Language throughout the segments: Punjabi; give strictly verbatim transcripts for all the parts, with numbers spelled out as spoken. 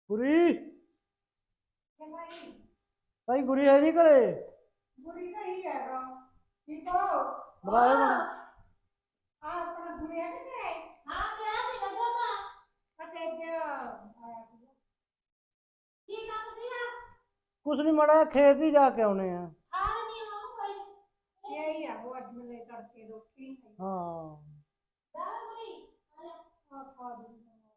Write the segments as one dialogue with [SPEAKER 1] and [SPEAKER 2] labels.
[SPEAKER 1] गुरी भाई गुरी है नहीं करे
[SPEAKER 2] बुरी नहीं है गा ठीक हो
[SPEAKER 1] बुलाया
[SPEAKER 2] हाँ
[SPEAKER 1] मैंने।
[SPEAKER 2] अपना बुरी है नहीं हाँ क्या सी लगा था अटे क्या आया की काम दिया
[SPEAKER 1] कुछ नहीं मड़ा खेत ही जाके आने हैं।
[SPEAKER 2] आ नहीं हो कोई यही है वो आज मैंने करके रोटी
[SPEAKER 1] हाँ
[SPEAKER 2] जा बुरी आ खा दो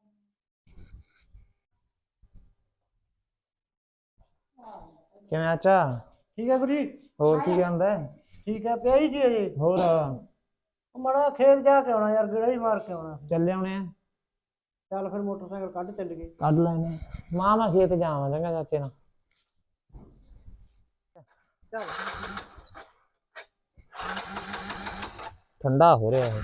[SPEAKER 3] ਕਿਵੇਂ ਆਚਾ
[SPEAKER 1] ठीक है गुरी
[SPEAKER 3] ਹੋਰ ਕੀ ਕਹਿੰਦਾ
[SPEAKER 1] ठीक है पे ही थी अजे
[SPEAKER 3] ਹੋਰ
[SPEAKER 1] मड़ा खेत जाके आना यार गेड़ा ही मार के आना।
[SPEAKER 3] ਚੱਲੇ ਆਉਣੇ ਆ
[SPEAKER 1] चल फिर मोटरसाइकिल कट चल गए।
[SPEAKER 3] ਕੱਢ ਲੈਣੇ ਮਾਂ ਮੈਂ ਖੇਤ ਜਾਵਾਂ ਚੰਗਾ ਚਾਚੇ ਨਾਲ
[SPEAKER 1] चल
[SPEAKER 3] ਠੰਡਾ ਹੋ ਰਿਹਾ ਇਹ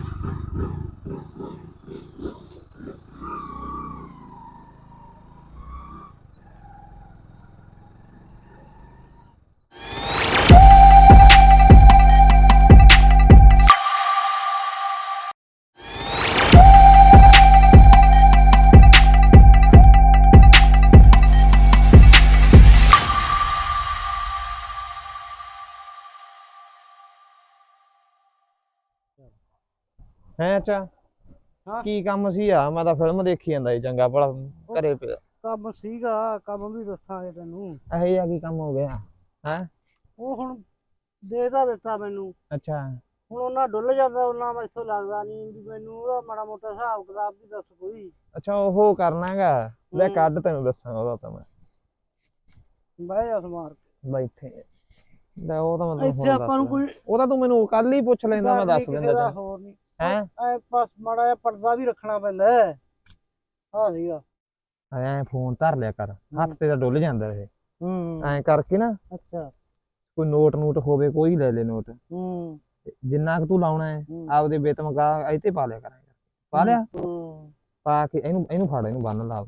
[SPEAKER 3] ਹੈ ਅੱਛਾ
[SPEAKER 1] हाँ
[SPEAKER 3] ਕੀ ਕੰਮ ਸੀ ਆ ਮੈਂ ਤਾਂ ਫਿਲਮ ਦੇਖੀ ਜਾਂਦਾ ਸੀ ਚੰਗਾ ਭਲਾ ਘਰੇ ਪਿਆ
[SPEAKER 1] ਕੰਮ ਸੀਗਾ ਕੰਮ ਵੀ ਦੱਸਾਂਗੇ ਤੈਨੂੰ।
[SPEAKER 3] ਇਹ ਜਿਹਾ ਕੀ ਕੰਮ ਹੋ ਗਿਆ ਹੈ
[SPEAKER 1] ਉਹ ਹੁਣ ਦੇ ਤਾਂ ਦਿੱਤਾ ਮੈਨੂੰ
[SPEAKER 3] ਅੱਛਾ
[SPEAKER 1] ਹੁਣ ਉਹਨਾਂ ਡੁੱਲ ਜਾਂਦਾ ਉਹਨਾਂ ਮੈਥੋਂ ਲੱਗਦਾ ਨਹੀਂ ਵੀ ਮੈਨੂੰ ਉਹਦਾ ਮਾੜਾ ਮੋਟਾ ਹਿਸਾਬ ਕਿਤਾਬ ਵੀ ਦੱਸ ਕੋਈ।
[SPEAKER 3] ਅੱਛਾ ਉਹ ਕਰਨਾ ਹੈਗਾ ਲੈ
[SPEAKER 1] ਹੂੰ।
[SPEAKER 3] ਕੱਢ ਤੈਨੂੰ ਦੱਸਾਂਗਾ ਉਹਦਾ ਤਾਂ ਮੈਂ
[SPEAKER 1] ਬਹਿ ਜਾ ਸਮਾਰ ਕੇ।
[SPEAKER 3] ਬੈਠੇ ਲੈ ਉਹ ਤਾਂ ਮੈਂ ਤੈਨੂੰ
[SPEAKER 1] ਇੱਥੇ
[SPEAKER 3] ਹੁਣ
[SPEAKER 1] ਆਪਾਂ ਨੂੰ
[SPEAKER 3] ਦੱਸ
[SPEAKER 1] ਕੋਈ
[SPEAKER 3] ਉਹ ਤਾਂ ਤੂੰ ਮੈਨੂੰ ਕੱਲ ਹੀ ਪੁੱਛ ਲੈਂਦਾ ਮੈਂ
[SPEAKER 1] ਡਰ ਨੀ
[SPEAKER 3] ਦੱਸ
[SPEAKER 1] ਕਿਸੇ
[SPEAKER 3] ਦਿੰਦਾ
[SPEAKER 1] ਦਾ,
[SPEAKER 3] ਤੈਨੂੰ
[SPEAKER 1] ਹੋਰ ਨਹੀਂ
[SPEAKER 3] ਹੈ
[SPEAKER 1] ਐ ਬਸ ਮਾੜਾ ਜਿਹਾ ਪਰਦਾ ਵੀ ਰੱਖਣਾ ਪੈਂਦਾ ਹੈ। ਹਾਂ ਸੀਗਾ
[SPEAKER 3] ਐ ਫੋਨ ਧਰ ਲਿਆ ਕਰ ਹੱਥ ਤੇ ਤਾਂ ਡੁੱਲ ਜਾਂਦਾ ਇਹ
[SPEAKER 1] ਹੂੰ
[SPEAKER 3] ਐਂ ਕਰਕੇ ਨਾ
[SPEAKER 1] ਅੱਛਾ
[SPEAKER 3] ਕੋਈ ਨੋਟ ਨੂਟ ਹੋਵੇ ਕੋਈ ਲੈ ਲੈ ਨੋਟ
[SPEAKER 1] ਹੂੰ
[SPEAKER 3] ਤੇ ਜਿੰਨਾ ਕੁ ਤੂੰ ਲਾਉਣਾ ਹੈ
[SPEAKER 1] ਹੂੰ।
[SPEAKER 3] ਆਪਦੇ ਬੇਤਮਕਾ ਇੱਥੇ ਪਾ ਲਿਆ ਕਰਾਂਗੇ ਪਾ ਲਿਆ
[SPEAKER 1] ਹੂੰ
[SPEAKER 3] ਪਾ ਕੇ ਇਹਨੂੰ ਇਹਨੂੰ ਫੜ ਇਹਨੂੰ ਬੰਨ ਲਾ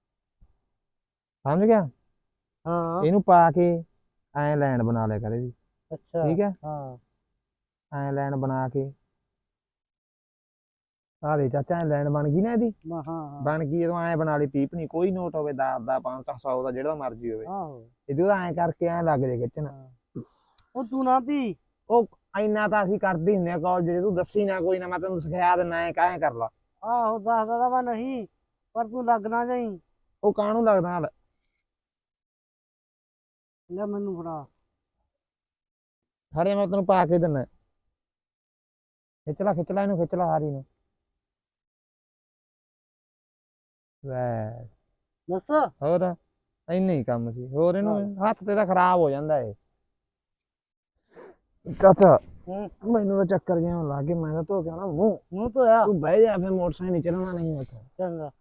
[SPEAKER 3] ਸਮਝ ਗਿਆ
[SPEAKER 1] ਹਾਂ
[SPEAKER 3] ਇਹਨੂੰ ਪਾ ਕੇ ਐਂ ਲਾਈਨ ਬਣਾ ਲਿਆ ਕਰ ਇਹਦੀ
[SPEAKER 1] ਅੱਛਾ
[SPEAKER 3] ਠੀਕ ਹੈ
[SPEAKER 1] ਹਾਂ
[SPEAKER 3] ਐਂ ਲਾਈਨ ਬਣਾ ਕੇ ਆ ਦੇ ਚਾਚਾ ਐਂ ਲਾਈਨ ਬਣ ਗਈ ਨਾ ਇਹਦੀ
[SPEAKER 1] ਮੈਂ ਹਾਂ ਹਾਂ
[SPEAKER 3] ਬਣ ਗਈ ਜਦੋਂ ਐਂ ਬਣਾ ਲਈ ਪੀਪ ਨਹੀਂ ਕੋਈ ਨੋਟ ਹੋਵੇ ਦਸ ਦਾ ਪੰਜ ਸੌ ਸੌ ਦਾ ਜਿਹੜਾ ਮਰਜ਼ੀ ਹੋਵੇ
[SPEAKER 1] ਆਹੋ
[SPEAKER 3] ਇਹਦੇ ਉਹਦਾ ਐਂ ਕਰਕੇ ਐਂ ਲੱਗ ਜੇ ਖਿੱਚਣ
[SPEAKER 1] ਉਹ ਤੂੰ ਨਾ ਵੀ
[SPEAKER 3] ਉਹ ਇੰਨਾ ਤਾਂ ਅਸੀਂ ਕਰਦੇ ਹੀ ਹੁੰਦੇ ਆ ਕਾਲਜ ਜੇ ਤੂੰ ਦੱਸੀ ਨਾ ਕੋਈ ਨਾ ਮੈਂ ਤੈਨੂੰ ਸਿਖਾ ਦਿੰਦਾ ਐਂ ਕਾਹੇ ਕਰ ਲਾ
[SPEAKER 1] ਆਹੋ ਦੱਸਦਾ ਤਾਂ ਮੈਂ ਨਹੀਂ ਪਰ ਤੂੰ ਲੱਗਣਾ ਜਾਈ।
[SPEAKER 3] ਉਹ ਕਾਹਨੂੰ ਲੱਗਦਾ ਹਾਲ
[SPEAKER 1] ਲੈ ਮੈਨੂੰ ਫੜਾ
[SPEAKER 3] ਖੜੇ ਮੈਂ ਤੈਨੂੰ ਪਾ ਕੇ ਦਿੰਦਾ ਖਿੱਚ ਲਾ ਖਿੱਚ ਲਾ ਇਹਨੂੰ ਖਿੱਚ ਲਾ ਹਾਰੀ ਨੂੰ ਵੈ
[SPEAKER 1] ਦੱਸ
[SPEAKER 3] ਹੋਰ ਇੰਨਾ ਹੀ ਕੰਮ ਸੀ ਹੋਰ ਇਹਨੂੰ ਹੱਥ ਤੇ ਤਾਂ ਖਰਾਬ ਹੋ ਜਾਂਦਾ ਏ ਚਾਚਾ
[SPEAKER 1] ਹੂੰ
[SPEAKER 3] ਮੈਨੂੰ ਤਾਂ ਚੱਕਰ ਜਿਹਾ ਆਉਣ ਲੱਗ ਗਿਆ ਮੈਂ ਤਾਂ ਧੋ ਕੇ ਆਉਣਾ ਮੂੰਹ
[SPEAKER 1] ਮੂੰਹ ਧੋਇਆ
[SPEAKER 3] ਤੂੰ ਬਹਿ ਜਾ ਫਿਰ ਮੋਟਰਸਾਈਕਲ ਨਹੀਂ ਚੱਲਣਾ ਨਹੀਂ ਉੱਥੇ
[SPEAKER 1] ਚੰਗਾ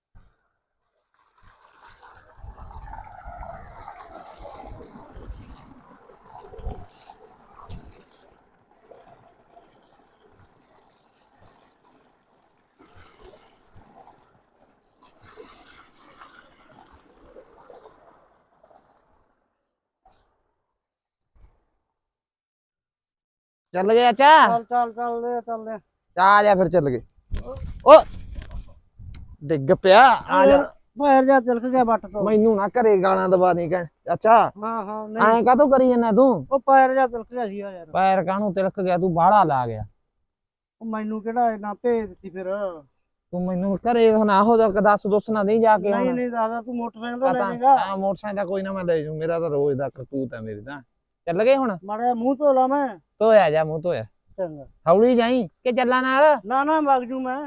[SPEAKER 3] ਚੱਲ ਗਿਆ ਚਾਚਾ
[SPEAKER 1] ਚੱਲ ਚੱਲ ਚੱਲਦੇ ਚੱਲਦੇ
[SPEAKER 3] ਆ ਜਾ ਫਿਰ ਚੱਲ ਗਏ ਓ ਡਿੱਗ ਪਿਆ ਆ ਜਾ
[SPEAKER 1] ਪੈਰ ਜਾ ਤਿਲਕ ਗਿਆ ਬੱਟ ਤੋਂ।
[SPEAKER 3] ਮੈਨੂੰ ਨਾ ਘਰੇ ਗਾਲਾਂ ਦਵਾ ਨਹੀਂ ਕਹਿ ਚਾਚਾ
[SPEAKER 1] ਹਾਂ ਹਾਂ ਨਹੀਂ
[SPEAKER 3] ਐਂ ਕਾਹਤੋਂ ਕਰੀ ਜਾਂਦਾ ਤੂੰ
[SPEAKER 1] ਉਹ ਪੈਰ ਜਾ ਤਿਲਕ ਗਿਆ ਸੀਗਾ ਯਾਰ।
[SPEAKER 3] ਪੈਰ ਕਾਹਨੂੰ ਤਿਲਕ ਗਿਆ ਤੂੰ ਬਾਹਲਾ ਲਾ ਗਿਆ
[SPEAKER 1] ਉਹ ਮੈਨੂੰ ਕਿਹੜਾ ਇੰਨਾ ਭੇਦ ਸੀ ਫਿਰ।
[SPEAKER 3] ਤੂੰ ਮੈਨੂੰ ਘਰੇ ਹੁਣ ਆਹੋ ਦਾ ਦੱਸ ਦੁੱਸ ਨਾ ਨਹੀਂ ਜਾ ਕੇ
[SPEAKER 1] ਨਹੀਂ
[SPEAKER 3] ਹੁਣ
[SPEAKER 1] ਨਹੀਂ ਦਾਦਾ ਤੂੰ ਮੋਟਰਸਾਈਕਲ ਤੋਂ ਲੈ
[SPEAKER 3] ਪਤਾ
[SPEAKER 1] ਜਾਏਗਾ।
[SPEAKER 3] ਹਾਂ ਮੋਟਰਸਾਈਕਲ ਦਾ ਕੋਈ ਨਾ ਮੈਂ ਲੈ ਜੂ ਮੇਰਾ ਤਾਂ ਰੋਜ਼ ਦਾ ਕਰਤੂਤ ਹੈ ਮੇਰੀ ਤਾਂ ਚੱਲ ਗਏ ਹੁਣ
[SPEAKER 1] ਮਾੜਾ ਜਿਹਾ ਮੂੰਹ ਧੋ ਲਾ ਮੈਂ।
[SPEAKER 3] ਧੋਇਆ ਜਾ ਮੂੰਹ ਧੋਇਆ
[SPEAKER 1] ਚੰਗਾ
[SPEAKER 3] ਹੌਲੀ ਜਾਈ ਕਿ ਚੱਲਾਂ ਨਾਲ
[SPEAKER 1] ਨਾ ਨਾ ਵਗ ਜੂ ਮੈਂ।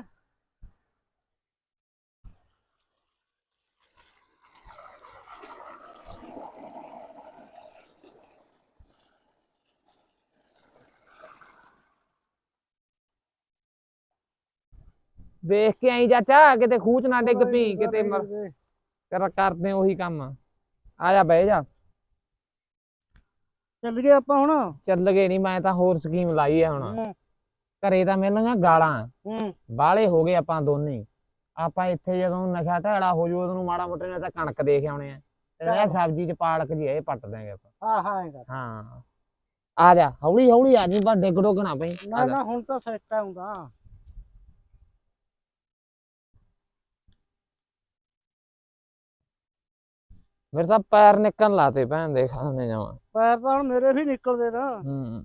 [SPEAKER 3] ਵੇਖ ਕੇ ਆਈ ਚਾਚਾ ਕਿਤੇ ਖੂਚ ਨਾ ਡਿੱਗ ਪਈ ਕਿਤੇ ਮਰ
[SPEAKER 1] ਚੱਲ
[SPEAKER 3] ਕਰ ਕਰਦੇ ਉਹੀ ਕੰਮ ਆ ਜਾ ਬਹਿ ਜਾ
[SPEAKER 1] ਗਏ ਆਪਾਂ ਹੁਣ।
[SPEAKER 3] ਚੱਲ ਗਏ ਨਹੀਂ ਮੈਂ ਤਾਂ ਹੋਰ ਸਕੀਮ ਲਾਈ ਹੈ ਹੁਣ
[SPEAKER 1] ਹੂੰ
[SPEAKER 3] ਘਰੇ ਤਾਂ ਮਿਲਣਗੀਆਂ ਗਾਲਾਂ
[SPEAKER 1] ਹੂੰ
[SPEAKER 3] ਬਾਹਲੇ ਹੋ ਗਏ ਆਪਾਂ ਦੋਨੇ ਹੀ। ਆਪਾਂ ਇੱਥੇ ਜਦੋਂ ਨਸ਼ਾ ਢਾਲਾ ਹੋ ਜੂ ਉਹਨੂੰ ਮਾੜਾ ਮੋਟੇ ਨੇ ਤਾਂ ਕਣਕ ਦੇਖ ਆਉਣੇ ਆ ਤੇ ਇਹ ਸਬਜ਼ੀ ਚ ਪਾਲਕ ਜੀ ਇਹ ਪੱਟ ਦਿਆਂਗੇ ਆਪਾਂ
[SPEAKER 1] ਹਾਂ ਹਾਂ ਐਂ ਕਰ।
[SPEAKER 3] ਹਾਂ ਆ ਜਾ ਹੌਲੀ ਹੌਲੀ ਆ ਜੀ ਬਸ ਡਿੱਗ ਡੁੱਗ ਨਾ ਪਈ
[SPEAKER 1] ਨਾ ਨਾ ਹੁਣ ਤਾਂ ਸੈੱਟ ਆਉਂਦਾ।
[SPEAKER 3] ਮੇਰੇ ਤਾਂ ਪੈਰ ਨਿਕਲਣ ਲਾਤੇ ਭੈਣ ਦੇ ਖਾਣੇ ਜਾਵਾਂ।
[SPEAKER 1] ਪੈਰ ਤਾਂ ਹੁਣ ਮੇਰੇ ਵੀ ਨਿਕਲਦੇ ਨਾ।
[SPEAKER 3] ਹੂੰ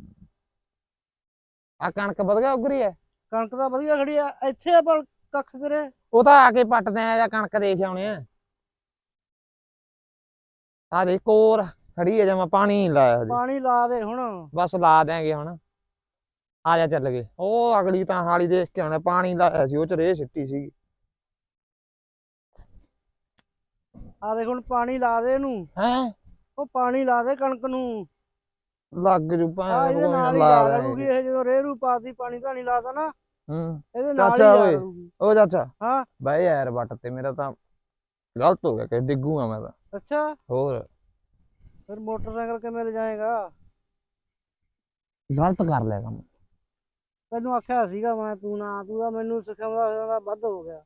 [SPEAKER 3] ਆ ਕਣਕ ਵਧ ਗਿਆ ਉਗਰੀ ਐ।
[SPEAKER 1] ਕਣਕ ਤਾਂ ਵਧੀਆ ਖੜੀ ਆ ਇੱਥੇ ਆਪਾਂ ਕੱਖ ਕਰੇ।
[SPEAKER 3] ਉਹ ਤਾਂ ਆ ਕੇ ਪੱਟਦੇ ਆ ਜਾਂ ਕਣਕ ਦੇਖ ਆਉਣੇ ਆ। ਆ ਦੇ ਕੋਰ ਖੜੀ ਆ ਜਮਾ ਪਾਣੀ ਨੀ ਲਾਇਆ ਹਜੇ।
[SPEAKER 1] ਪਾਣੀ ਲਾ ਦੇ ਹੁਣ।
[SPEAKER 3] ਬਸ ਲਾ ਦਿਆਂਗੇ ਹੁਣ। ਆ ਜਾ ਚੱਲ ਗਏ ਉਹ ਅਗਲੀ ਤਾਂ ਹਾਲੀ ਦੇਖ ਕੇ ਆਉਣਾ ਪਾਣੀ ਲਾਇਆ ਸੀ ਉਹ ਚ ਰੇਹ ਸਿੱਟੀ ਸੀਗੀ।
[SPEAKER 1] ਆ ਦੇਖ ਹੁਣ ਪਾਣੀ ਲਾ ਦੇ ਇਹਨੂੰ।
[SPEAKER 3] ਹੈਂ
[SPEAKER 1] ਉਹ ਪਾਣੀ ਲਾ ਦੇ ਕਣਕ ਨੂੰ।
[SPEAKER 3] ਲੱਗ ਜੂ
[SPEAKER 1] ਆ
[SPEAKER 3] ਭਾਵੇਂ
[SPEAKER 1] ਇਹਦੇ ਨਾਲ ਹੀ
[SPEAKER 3] ਲਾ
[SPEAKER 1] ਲਾ
[SPEAKER 3] ਦਿਆਂਗੇ।
[SPEAKER 1] ਲੂਗੀ ਇਹ ਜਦੋਂ ਰੇਰੂ ਪਾਤੀ ਪਾਣੀ ਧਾਣੀ ਲਾਤਾ ਨਾ
[SPEAKER 3] ਹੂੰ
[SPEAKER 1] ਇਹਦੇ ਨਾਲ ਹੀ
[SPEAKER 3] ਚਾਚਾ
[SPEAKER 1] ਲਾ
[SPEAKER 3] ਓਏ
[SPEAKER 1] ਲੂਗੀ।
[SPEAKER 3] ਉਹ ਚਾਚਾ
[SPEAKER 1] ਹਾਂ
[SPEAKER 3] ਬਈ ਯਾਰ ਵੱਟ ਤੇ ਮੇਰਾ ਤਾਂ ਗਲਤ ਹੋ ਗਿਆ ਕਿ ਡਿੱਗੂਗਾ ਮੈਂ ਤਾਂ।
[SPEAKER 1] ਅੱਛਾ
[SPEAKER 3] ਹੋਰ
[SPEAKER 1] ਫਿਰ ਮੋਟਰਸਾਈਕਲ ਕਿਵੇਂ ਲੈ ਜਾਏਗਾ?
[SPEAKER 3] ਗਲਤ ਕਰ ਲਿਆ ਕੰਮ।
[SPEAKER 1] ਤੈਨੂੰ ਆਖਿਆ ਸੀਗਾ ਮੈਂ ਤੂੰ ਨਾ ਤੂੰ ਤਾਂ ਮੈਨੂੰ ਸਿਖਾਉਂਦਾ ਸਿਖਾਉਂਦਾ ਵੱਧ ਹੋ ਗਿਆ।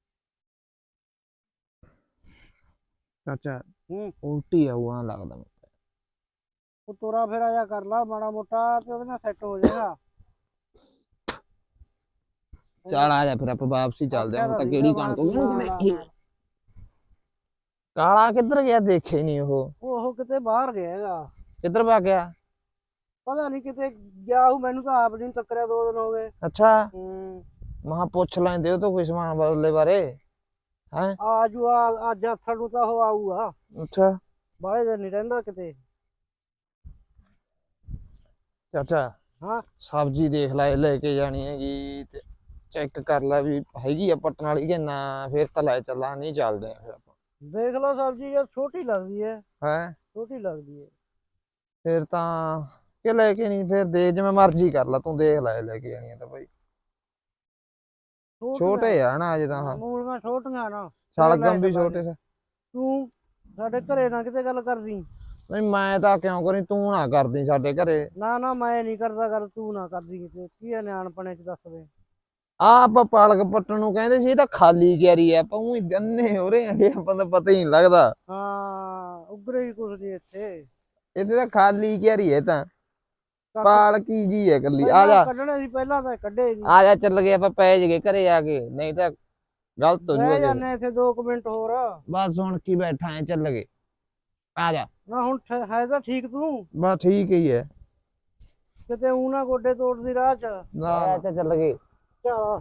[SPEAKER 3] ਚਾਚਾ
[SPEAKER 1] ਹੂੰ
[SPEAKER 3] ਉਲਟੀ ਆਊਗਾ ਲੱਗਦਾ ਮੈਨੂੰ।
[SPEAKER 1] ਉਹ ਤੋਰਾ ਫੇਰਾ ਜਾ ਕਰ ਲਾ ਮਾੜਾ ਮੋਟਾ ਤੇ ਉਹਦੇ ਨਾਲ ਸੈੱਟ ਹੋ ਜਾਏਗਾ।
[SPEAKER 3] ਚੱਲ ਆ ਜਾ ਫਿਰ ਆਪਾਂ ਵਾਪਸੀ ਚੱਲਦੇ ਹਾਂ ਹੁਣ ਤਾਂ ਕਿਹੜੀ ਕਣਕ ਦੇਖੀ। ਕਾਲਾ ਕਿੱਧਰ ਗਿਆ ਦੇਖੇ ਨਹੀਂ ਉਹ।
[SPEAKER 1] ਉਹ ਕਿਤੇ ਬਾਹਰ ਗਿਆ ਹੈਗਾ।
[SPEAKER 3] ਕਿੱਧਰ ਭੱਗ ਗਿਆ?
[SPEAKER 1] ਪਤਾ ਨਹੀਂ ਕਿਤੇ ਗਿਆ ਉਹ ਮੈਨੂੰ ਤਾਂ ਆਪ ਨਹੀਂ ਟੱਕਰਿਆ ਦੋ ਦਿਨ ਹੋ ਗਏ।
[SPEAKER 3] ਅੱਛਾ
[SPEAKER 1] ਹੂੰ
[SPEAKER 3] ਮਹਾ ਪੁੱਛ ਲੈਂਦੇ ਉਹ ਤੋਂ ਕੋਈ ਸਮਾਨ ਬਦਲੇ ਬਾਰੇ ਹੈ।
[SPEAKER 1] ਆਜੂ ਆ ਅੱਜ ਆਥਣ ਨੂੰ ਤਾਂ ਉਹ ਆਊਗਾ।
[SPEAKER 3] ਅੱਛਾ
[SPEAKER 1] ਬਾਹਲੇ ਦਿਨ ਨਹੀਂ ਰਹਿੰਦਾ ਕਿਤੇ।
[SPEAKER 3] ਚਾਚਾ
[SPEAKER 1] ਹਾਂ
[SPEAKER 3] ਸਬਜ਼ੀ ਦੇਖ ਲੈ ਲੈ ਕੇ ਜਾਣੀ ਹੈਗੀ ਤੇ ਚੈੱਕ ਕਰ ਲੈ ਵੀ ਹੈਗੀ ਆ ਪੱਟਣ ਵਾਲੀ ਕਿ ਨਾ ਫਿਰ ਤਾਂ ਲੈ ਚੱਲਾਂ ਨਹੀਂ ਚੱਲਦੇ ਆ ਫਿਰ ਆਪਾਂ।
[SPEAKER 1] ਦੇਖ ਲਓ ਸਬਜ਼ੀ ਯਾਰ ਛੋਟੀ ਲੱਗਦੀ ਹੈ।
[SPEAKER 3] ਹੈ
[SPEAKER 1] ਛੋਟੀ ਲੱਗਦੀ ਹੈ।
[SPEAKER 3] ਫਿਰ ਤਾਂ ਕਿ ਲੈ ਕੇ ਨਹੀਂ ਫਿਰ ਦੇ ਜਿਵੇਂ ਮਰਜ਼ੀ ਕਰ ਲੈ ਤੂੰ ਦੇਖ ਲੈ ਲੈ ਕੇ ਜਾਣੀ ਆ ਤਾਂ ਭਾਈ। ਛੋਟੇ ਆ ਨਾ ਅਜੇ ਤਾਂ।
[SPEAKER 1] ਮੂਲੀਆਂ ਛੋਟੀਆਂ ਨਾ
[SPEAKER 3] ਸ਼ਲਗਮ ਵੀ ਛੋਟੇ ਸੀ।
[SPEAKER 1] ਤੂੰ ਸਾਡੇ ਘਰੇ ਨਾ ਕਿਤੇ ਗੱਲ ਕਰਦੀ।
[SPEAKER 3] ਨਹੀਂ ਮੈਂ ਤਾਂ ਕਿਉਂ ਕਰੀ ਤੂੰ ਨਾ ਕਰਦੀ ਸਾਡੇ ਘਰੇ।
[SPEAKER 1] ਨਾ ਨਾ ਮੈਂ ਨਹੀਂ ਕਰਦਾ ਗੱਲ ਤੂੰ ਨਾ ਕਰਦੀ ਕਿਤੇ ਕੀ ਹੈ ਨਿਆਣਪਣੇ ਚ ਦੱਸ ਦੇ।
[SPEAKER 3] ਆ ਆਪਾਂ ਪਾਲਕ ਪੱਟਣ ਨੂੰ ਕਹਿੰਦੇ ਸੀ ਇਹ ਤਾਂ ਖਾਲੀ ਕਿਆਰੀ ਆ ਆਪਾਂ ਉਹੀ ਜੰਨੇ ਹੋ ਰਹੇ ਆ ਆਪਾਂ ਤਾਂ ਪਤਾ ਹੀ ਨਹੀਂ ਲੱਗਦਾ।
[SPEAKER 1] ਹਾਂ ਉਗਰੇ ਹੀ ਕੁਛ ਨਹੀਂ ਇੱਥੇ।
[SPEAKER 3] ਇੱਥੇ ਤਾਂ ਖਾਲੀ ਕਿਆਰੀ ਹੈ ਤਾਂ ਪਾਲਕੀ ਜੀ ਹੈ ਕੱਲੀ। ਆ
[SPEAKER 1] ਪਹਿਲਾਂ
[SPEAKER 3] ਜਾ
[SPEAKER 1] ਕੱਢਣੇ ਸੀ ਪਹਿਲਾਂ ਤਾਂ ਕੱਢੇ ਨਹੀਂ।
[SPEAKER 3] ਆ ਜਾ ਚੱਲ ਗਏ ਆਪਾਂ ਪੈ ਜਗੇ ਘਰੇ ਆ ਕੇ ਨਹੀਂ ਤਾਂ ਗਲਤ ਹੋ
[SPEAKER 1] ਰਹਿ
[SPEAKER 3] ਜੂਗਾ।
[SPEAKER 1] ਜਾਂਦੇ ਇੱਥੇ ਦੋ ਕੁ ਮਿੰਟ ਹੋਰ।
[SPEAKER 3] ਬਸ ਹੁਣ ਕੀ ਬੈਠਾ ਐ ਚੱਲ ਗਏ ਆ ਜਾ।
[SPEAKER 1] ਨਾ ਹੁਣ ਠ- ਹੈ ਤਾਂ ਠੀਕ ਤੂੰ
[SPEAKER 3] ਬਸ ਠੀਕ ਹੀ ਹੈ।
[SPEAKER 1] ਕਿਤੇ ਊਂ ਨਾ ਗੋਡੇ ਤੋੜਦੀ ਰਾਹ ਚ।
[SPEAKER 3] ਨਾ ਚੱਲ ਗਏ।
[SPEAKER 1] ਚੱਲ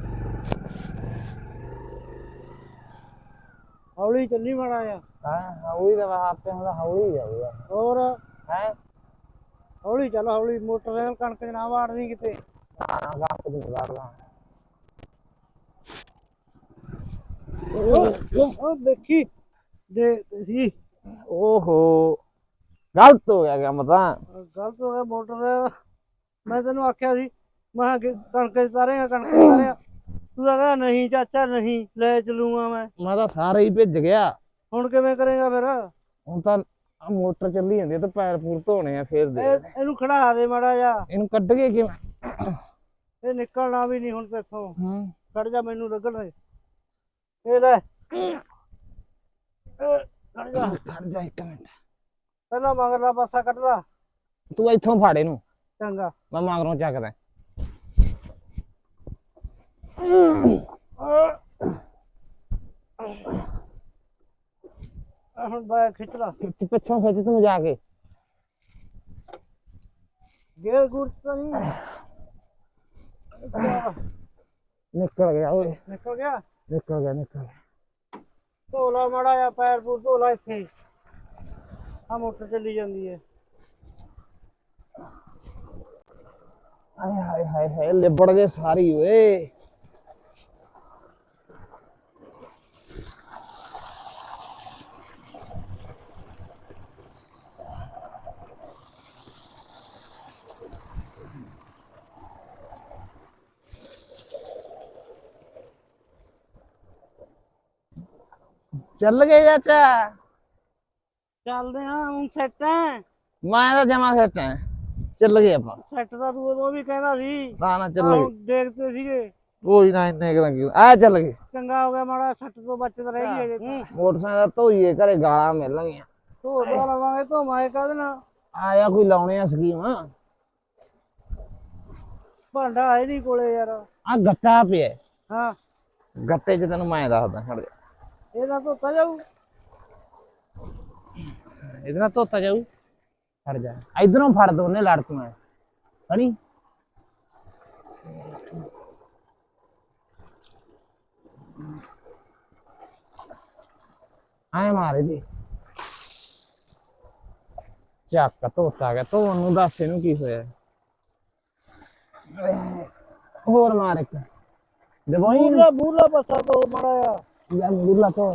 [SPEAKER 1] ਹੌਲੀ ਚੱਲੀ ਮਾੜਾ ਆ।
[SPEAKER 3] ਹਾਂ ਹੌਲੀ ਤਾਂ ਆਪੇ ਹੁੰਦਾ ਹੌਲੀ ਜਾਊਗਾ।
[SPEAKER 1] ਹੋਰ
[SPEAKER 3] ਹੈ
[SPEAKER 1] ਹੌਲੀ ਚੱਲ ਹੌਲੀ ਮੋਟਰਸਾਈਕਲ ਕਣਕ ਚ ਨਾ ਵਾੜਨੀ ਕਿਤੇ। ਉਹ ਉਹ ਦੇਖੀ ਦੇਖ ਸੀ।
[SPEAKER 3] ਓਹੋ ਗਲਤ ਹੋ ਗਿਆ ਕੰਮ ਤਾਂ।
[SPEAKER 1] ਗਲਤ ਹੋ ਗਿਆ ਮੋਟਰ। ਮੈਂ ਤੈਨੂੰ ਆਖਿਆ ਸੀ ਮੈਂ ਕਿਹਾ ਕਿ ਕਣਕ ਚ ਤਾਰੇਗਾ ਕਣਕ ਚ ਤਾਰੇਗਾ ਤੂੰ ਤਾਂ ਕਹਿੰਦਾ ਨਹੀਂ ਚਾਚਾ ਨਹੀਂ ਲੈ ਚਲੂਗਾ ਮੈਂ।
[SPEAKER 3] ਮੈਂ ਤਾਂ ਸਾਰੇ ਹੀ ਭਿੱਜ ਗਿਆ।
[SPEAKER 1] ਹੁਣ ਕਿਵੇਂ ਕਰੇਗਾ ਫਿਰ?
[SPEAKER 3] ਹੁਣ ਤਾਂ ਆ ਮੋਟਰ ਚੱਲੀ ਜਾਂਦੀ ਤੇ ਪੈਰ ਪੂਰ ਧੋਣੇ ਆ ਫੇਰ ਦੇ।
[SPEAKER 1] ਇਹ- ਇਹਨੂੰ ਖੜਾ ਦੇ ਮਾੜਾ ਜਾ।
[SPEAKER 3] ਇਹਨੂੰ ਕੱਢ ਕੇ ਕਿਵੇਂ?
[SPEAKER 1] ਇਹ ਨਿਕਲਣਾ ਵੀ ਨਹੀਂ ਹੁਣ ਤੇਥੋਂ।
[SPEAKER 3] ਹਾਂ
[SPEAKER 1] ਖੜ ਜਾ ਮੈਨੂੰ ਲੱਗਣ ਦੇ। ਇਹ ਲੈ ਇਹ ਖੜ ਜਾ
[SPEAKER 3] ਖੜ ਜਾ ਇੱਕ ਮਿੰਟ।
[SPEAKER 1] ਪਹਿਲਾਂ ਮਗਰਲਾ ਪਾਸਾ ਕੱਢ ਲਾ।
[SPEAKER 3] ਤੂੰ ਇੱਥੋਂ ਫੜ ਇਹਨੂੰ
[SPEAKER 1] ਚੰਗਾ
[SPEAKER 3] ਮੈਂ ਮਗਰੋਂ ਚੱਕਦਾ।
[SPEAKER 1] ਆਹ ਹੁਣ ਬਾਇਆ ਖਿੱਚ ਲਾ।
[SPEAKER 3] ਖਿੱਚ ਪਿੱਛੋਂ ਖਿੱਚ ਤੂੰ ਜਾ ਕੇ।
[SPEAKER 1] ਗੇਰ ਗੁਰ ਤਾਂ ਨਹੀਂ
[SPEAKER 3] ਨਿਕਲ ਗਿਆ ਓਏ
[SPEAKER 1] ਨਿਕਲ ਗਿਆ।
[SPEAKER 3] ਨਿਕਲ ਗਿਆ ਨਿਕਲ ਗਿਆ।
[SPEAKER 1] ਧੋ ਲਾ ਮਾੜਾ ਜਿਹਾ ਪੈਰ ਪੂਰ ਧੋ ਲਾ ਇੱਥੇ। ਆ ਮੋਟਰ ਚੱਲੀ ਜਾਂਦੀ ਹੈ।
[SPEAKER 3] ਹਾਏ ਹਾਏ ਹਾਏ ਹਾਏ ਲਿਬੜ ਗਏ ਸਾਰੀ ਓਏ। ਚੱਲ ਗਏ ਚਾਚਾ।
[SPEAKER 1] ਚੱਲਦੇ ਆ ਹੁਣ ਸੈੱਟ ਹੈ।
[SPEAKER 3] ਮੈਂ ਤਾਂ ਜਮਾ ਸੈੱਟ ਐ। ਚੱਲ ਗਏ ਆਪਾਂ।
[SPEAKER 1] ਸੈੱਟ ਦਾ ਤੂੰ ਉਦੋਂ ਵੀ ਕਹਿੰਦਾ ਸੀ।
[SPEAKER 3] ਨਾ ਨਾ ਚੱਲ
[SPEAKER 1] ਆਹ
[SPEAKER 3] ਗਏ
[SPEAKER 1] ਹੁਣ ਦੇਖਦੇ ਸੀਗੇ।
[SPEAKER 3] ਕੋਈ ਨਾ ਇੰਨੇ ਕਰਾਂਗੇ ਆ ਚੱਲ ਗਏ।
[SPEAKER 1] ਚੰਗਾ ਹੋ ਗਿਆ ਮਾੜਾ ਸੱਟ ਤੋਂ ਬਚਤ ਰਹਿ ਗਈ ਅਜੇ ਤਾਂ।
[SPEAKER 3] ਮੋਟਰਸਾਈਕਲ ਧੋਈਏ ਘਰੇ ਗਾਲਾਂ ਮਿਲਣਗੀਆਂ।
[SPEAKER 1] ਧੋ ਧੋ ਲਵਾਂਗੇ ਧੋਵਾਂਗੇ ਕਾਹਦੇ ਨਾਲ?
[SPEAKER 3] ਆਇਆ ਕੋਈ ਲਾਉਣੇ ਆ ਸਕੀਮ।
[SPEAKER 1] ਭਾਂਡਾ ਹੈ ਨਹੀਂ ਕੋਲੇ ਯਾਰ।
[SPEAKER 3] ਆ ਗੱਟਾ ਪਿਆ।
[SPEAKER 1] ਹਾਂ
[SPEAKER 3] ਗੱਟੇ 'ਚ ਤੈਨੂੰ ਮੈਂ ਦੱਸਦਾ ਖੜ ਜਾ।
[SPEAKER 1] ਇਹਦਾ ਧੋਤਾ ਜਾਊ।
[SPEAKER 3] ਇਹਦੇ ਨਾਲ ਧੋਤਾ ਜਾਊ। ਫੜ ਜਾ ਇਧਰੋਂ ਫੜ ਦੋਨੇ ਲੜ ਤੂੰ ਐ ਫੜੀ ਆਏ ਮਾਰੇ ਦੀ ਚੱਕ ਧੋਤਾ ਗਿਆ ਧੋਣ ਨੂੰ ਦੱਸ ਇਹਨੂੰ ਕੀ ਹੋਇਆ ਹੋਰ ਮਾਰ ਇੱਕ ਦਵਾਈ
[SPEAKER 1] ਮੂਰਲਾ ਮੂਰਲਾ ਪਾਸਾ ਤੋਂ ਮਾੜਾ ਆ
[SPEAKER 3] ਯਾਰ ਮੁਰਲਾ ਧੋ